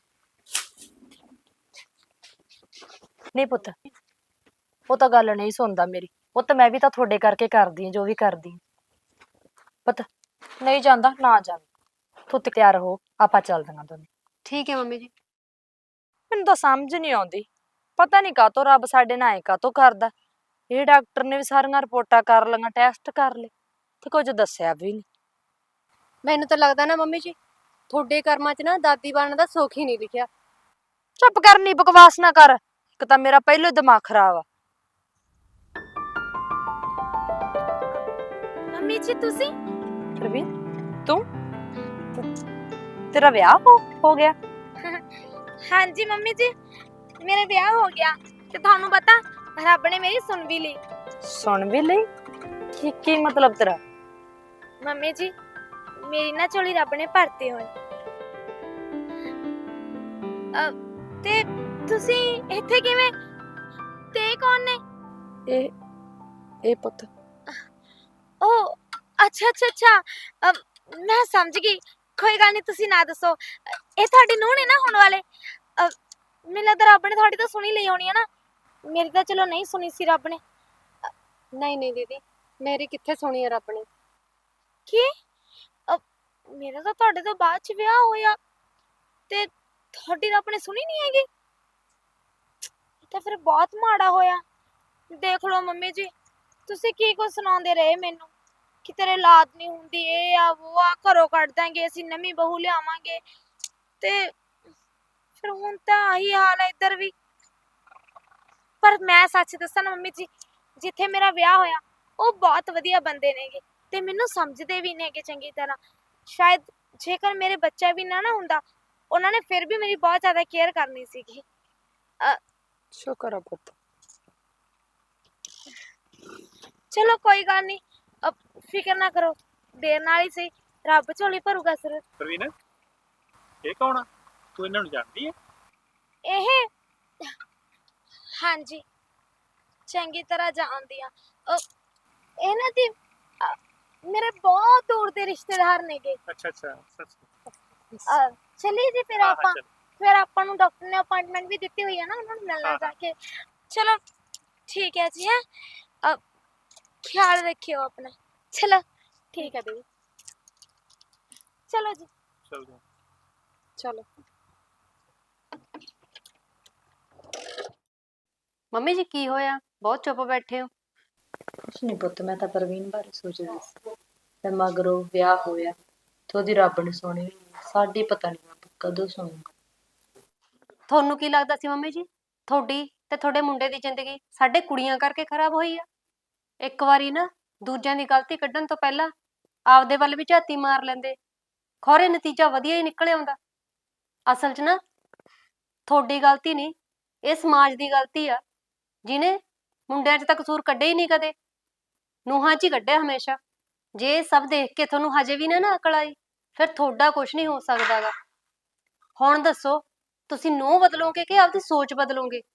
[SPEAKER 1] ਨਹੀਂ ਪੁੱਤ, ਉਹ ਤਾਂ ਗੱਲ ਨਹੀਂ ਸੁਣਦਾ ਮੇਰੀ। ਪੁੱਤ ਮੈਂ ਵੀ ਤਾਂ ਤੁਹਾਡੇ ਕਰਕੇ ਕਰਦੀ ਹਾਂ ਜੋ ਵੀ ਕਰਦੀ ਹਾਂ। ਪੁੱਤ ਨਹੀਂ ਜਾਂਦਾ ਨਾ ਜਾਵੇ, ਤੂੰ ਤੇ ਤਿਆਰ ਹੋ, ਆਪਾਂ ਚੱਲਦੀਆਂ ਦੋਨੇ।
[SPEAKER 5] ਠੀਕ ਹੈ ਮੰਮੀ ਜੀ।
[SPEAKER 1] ਮੈਨੂੰ ਤਾਂ ਸਮਝ ਨਹੀਂ ਆਉਂਦੀ, ਪਤਾ ਨਹੀਂ ਕਾਹਤੋਂ ਰੱਬ ਸਾਡੇ ਨਾਲ ਐ ਕਾਹਤੋਂ ਕਰਦਾ। ਇਹ ਡਾਕਟਰ ਨੇ ਵੀ ਸਾਰੀਆਂ ਰਿਪੋਰਟਾਂ ਕਰ ਲਈਆਂ, ਟੈਸਟ ਕਰ ਲਏ, ਤੇ ਕੁਝ ਦੱਸਿਆ ਵੀ ਨਹੀਂ।
[SPEAKER 5] ਮੈਨੂੰ ਤਾਂ ਲੱਗਦਾ ਨਾ ਮੰਮੀ ਜੀ, ਤੁਹਾਡੇ ਕਰਮਾਂ 'ਚ ਨਾ ਦਾਦੀ ਬਣਨ ਦਾ ਸੁੱਖ ਹੀ ਨਹੀਂ ਲਿਖਿਆ।
[SPEAKER 1] ਚੁੱਪ ਕਰਨੀ, ਬਕਵਾਸ ਨਾ ਕਰ। ਇੱਕ ਤਾਂ ਮੇਰਾ ਪਹਿਲੋਂ ਹੀ ਦਿਮਾਗ ਖਰਾਬ ਆ।
[SPEAKER 2] ਮੰਮੀ ਜੀ ਤੁਸੀਂ?
[SPEAKER 1] ਪ੍ਰਵੀਨ ਤੂੰ, ਤੇਰਾ ਵਿਆਹ ਹੋ ਗਿਆ?
[SPEAKER 2] ਹਾਂਜੀ ਮੰਮੀ ਜੀ, ਮੇਰਾ ਵਿਆਹ ਹੋ ਗਿਆ ਤੇ ਤੁਹਾਨੂੰ ਪਤਾ ਰੱਬ ਨੇ ਮੇਰੀ ਸੁਣ ਵੀ ਲਈ।
[SPEAKER 1] ਸੁਣ ਵੀ ਲਈ? ਕੀ ਮਤਲਬ ਤੇਰਾ?
[SPEAKER 2] ਮੰਮੀ ਜੀ ਮੇਰੀ ਨਾ ਝੋਲੀ ਰੱਬ ਨੇ ਭਰਤੀ ਹੋਈ। ਤੇ ਤੁਸੀਂ ਇੱਥੇ ਕਿਵੇਂ? ਤੇ ਇਹ ਕੌਣ ਨੇ?
[SPEAKER 1] ਇਹ ਪੁੱਤ
[SPEAKER 2] ਉਹ ਅੱਛਾ ਅੱਛਾ ਅੱਛਾ, ਮੈਂ ਸਮਝ ਗਈ। ਕੋਈ ਗੱਲ ਨਹੀਂ, ਤੁਸੀਂ ਨਾ ਦੱਸੋ। ਇਹ ਤੁਹਾਡੇ ਨੂੰਹ ਨੇ ਨਾ ਹੋਣ ਵਾਲੇ? ਮੈਨੂੰ ਲੱਗਦਾ ਰੱਬ ਨੇ ਤੁਹਾਡੀ ਤਾਂ ਸੁਣੀ ਲਈ ਹੋਣੀ ਹੈ ਨਾ। ਮੇਰੀ ਤਾਂ ਚਲੋ ਨਹੀਂ ਸੁਣੀ ਸੀ ਰੱਬ ਨੇ।
[SPEAKER 5] ਨਹੀਂ ਨਹੀਂ ਦੀਦੀ, ਮੇਰੀ ਕਿੱਥੇ ਸੁਣੀ ਹੈ ਰੱਬ ਨੇ।
[SPEAKER 2] ਕੀ? ਮੇਰਾ ਤਾਂ ਤੁਹਾਡੇ ਤੋਂ ਬਾਅਦ ਚ ਵਿਆਹ ਹੋਇਆ ਤੇ ਤੁਹਾਡੀ ਰੱਬ ਨੇ ਸੁਣੀ ਨਹੀਂ ਹੈਗੀ? ਇਹ ਤਾਂ ਫਿਰ ਬਹੁਤ ਮਾੜਾ ਹੋਇਆ। ਦੇਖ ਲਓ ਮੰਮੀ ਜੀ, ਤੁਸੀਂ ਕੀ ਕੁਝ ਸੁਣਾਉਂਦੇ ਰਹੇ ਮੈਨੂੰ ਕਿ ਤੇਰੇ ਔਲਾਦ ਨਹੀਂ ਹੁੰਦੀ, ਇਹ ਆ ਉਹ ਆ, ਘਰੋਂ ਕੱਢ ਦਾਂਗੇ, ਅਸੀਂ ਨਵੀਂ ਬਹੂ ਲਿਆਵਾਂਗੇ। ਤੇ ਫਿਰ ਹੁਣ ਤਾਂ ਆਹੀ ਹਾਲ ਹੈ ਇੱਧਰ ਵੀ। ਪਰ ਮੈਂ ਸੱਚ ਦੱਸਾਂ ਨਾ ਮੰਮੀ ਜੀ, ਜਿੱਥੇ ਮੇਰਾ ਵਿਆਹ ਹੋਇਆ ਉਹ ਬਹੁਤ ਵਧੀਆ ਬੰਦੇ ਨੇਗੇ ਤੇ ਮੈਨੂੰ ਸਮਝਦੇ ਵੀ ਨੇਗੇ ਚੰਗੀ ਤਰ੍ਹਾਂ। ਸ਼ਾਇਦ ਜੇਕਰ ਮੇਰੇ ਬੱਚਾ ਵੀ ਨਾ ਹੁੰਦਾ, ਉਹਨਾਂ ਨੇ ਫਿਰ ਵੀ ਮੇਰੀ ਬਹੁਤ ਜ਼ਿਆਦਾ ਕੇਅਰ ਕਰਨੀ ਸੀਗੀ।
[SPEAKER 1] ਸ਼ੁਕਰ ਆ ਪੁੱਤ।
[SPEAKER 2] ਚਲੋ ਕੋਈ ਗੱਲ ਨਹੀਂ, ਫਿਕਰ ਨਾ ਕਰੋ, ਦੇਰ ਨਾਲ ਹੀ ਸਹੀ ਰੱਬ ਝੋਲੀ ਭਰੂਗਾ ਜ਼ਰੂਰ।
[SPEAKER 4] ਪ੍ਰਵੀਨ ਇਹ ਕੌਣ ਆ? ਤੂੰ ਇਹਨਾਂ ਨੂੰ ਜਾਣਦੀ ਹੈ?
[SPEAKER 2] ਇਹ ਹਾਂਜੀ ਚੰਗੀ ਤਰ੍ਹਾਂ ਜਾਣਦੀ ਆ। ਇਹਨਾਂ ਦੀ ਮੇਰੇ ਬਹੁਤ ਦੂਰ ਦੇ ਰਿਸ਼ਤੇਦਾਰ ਨੇਗੇ।
[SPEAKER 4] ਅੱਛਾ ਅੱਛਾ, ਸੱਚ?
[SPEAKER 2] ਚਲਿਏ ਜੀ ਫਿਰ
[SPEAKER 4] ਹਾਂ,
[SPEAKER 2] ਆਪਾਂ।
[SPEAKER 4] ਚਲੋ।
[SPEAKER 2] ਫਿਰ ਆਪਾਂ ਨੂੰ ਡਾਕਟਰ ਨੇ ਅਪਾਇੰਟਮੈਂਟ ਵੀ ਦਿੱਤੀ ਹੋਈ ਹੈ ਨਾ, ਉਹਨਾਂ ਨੂੰ ਮਿਲਣਾ ਜਾ ਕੇ। ਚਲੋ ਠੀਕ ਹੈ ਜੀ। ਹੈ ख्याल रखियो अपना। चलो ठीक है दीदी, चलो जी।
[SPEAKER 4] ਚੱਲ ਜਾ।
[SPEAKER 2] चलो।
[SPEAKER 5] ਮੰਮੀ ਜੀ ਕੀ ਹੋਇਆ, ਬਹੁਤ ਚੁੱਪ ਬੈਠੇ ਹੋ?
[SPEAKER 1] ਕੁਛ ਨਹੀਂ ਪੁੱਤ, ਮੈਂ ਤਾਂ ਪ੍ਰਵੀਨ ਬਾਰੇ ਸੋਚਦੀ ਸੀ ਤੇ ਮਗਰੋਂ ਵਿਆਹ ਹੋਇਆ ਤੇ ਉਹਦੀ ਰੱਬ ਨੇ ਸੁਣੀ, ਸਾਡੀ ਪਤਾ ਨਹੀਂ ਰੱਬ ਕਦੋਂ ਸੁਣੂਗਾ।
[SPEAKER 5] ਤੁਹਾਨੂੰ ਕੀ ਲੱਗਦਾ ਸੀ ਮੰਮੀ ਜੀ, ਤੁਹਾਡੀ ਤੇ ਤੁਹਾਡੇ ਮੁੰਡੇ ਦੀ ਜ਼ਿੰਦਗੀ ਸਾਡੇ ਕੁੜੀਆਂ ਕਰਕੇ ਖਰਾਬ ਹੋਈ ਆ? ਇੱਕ ਵਾਰੀ ਨਾ ਦੂਜਿਆਂ ਦੀ ਗਲਤੀ ਕੱਢਣ ਤੋਂ ਪਹਿਲਾਂ ਆਪਦੇ ਵੱਲ ਵੀ ਝਾਤੀ ਮਾਰ ਲੈਂਦੇ, ਖੌਰੇ ਨਤੀਜਾ ਵਧੀਆ ਹੀ ਨਿਕਲ ਆਉਂਦਾ। ਅਸਲ 'ਚ ਨਾ ਤੁਹਾਡੀ ਗਲਤੀ ਨਹੀਂ, ਇਹ ਸਮਾਜ ਦੀ ਗਲਤੀ ਆ, ਜਿਹਨੇ ਮੁੰਡਿਆਂ 'ਚ ਤਾਂ ਕਸੂਰ ਕੱਢਿਆ ਹੀ ਨਹੀਂ ਕਦੇ, ਨੂੰਹਾਂ 'ਚ ਹੀ ਕੱਢਿਆ ਹਮੇਸ਼ਾ। ਜੇ ਇਹ ਸਭ ਦੇਖ ਕੇ ਤੁਹਾਨੂੰ ਹਜੇ ਵੀ ਨਾ ਅਕਲ ਆਈ, ਫਿਰ ਤੁਹਾਡਾ ਕੁਝ ਨਹੀਂ ਹੋ ਸਕਦਾਗਾ। ਹੁਣ ਦੱਸੋ, ਤੁਸੀਂ ਨੂੰਹ ਬਦਲੋਗੇ ਕਿ ਆਪਦੀ ਸੋਚ ਬਦਲੋਗੇ?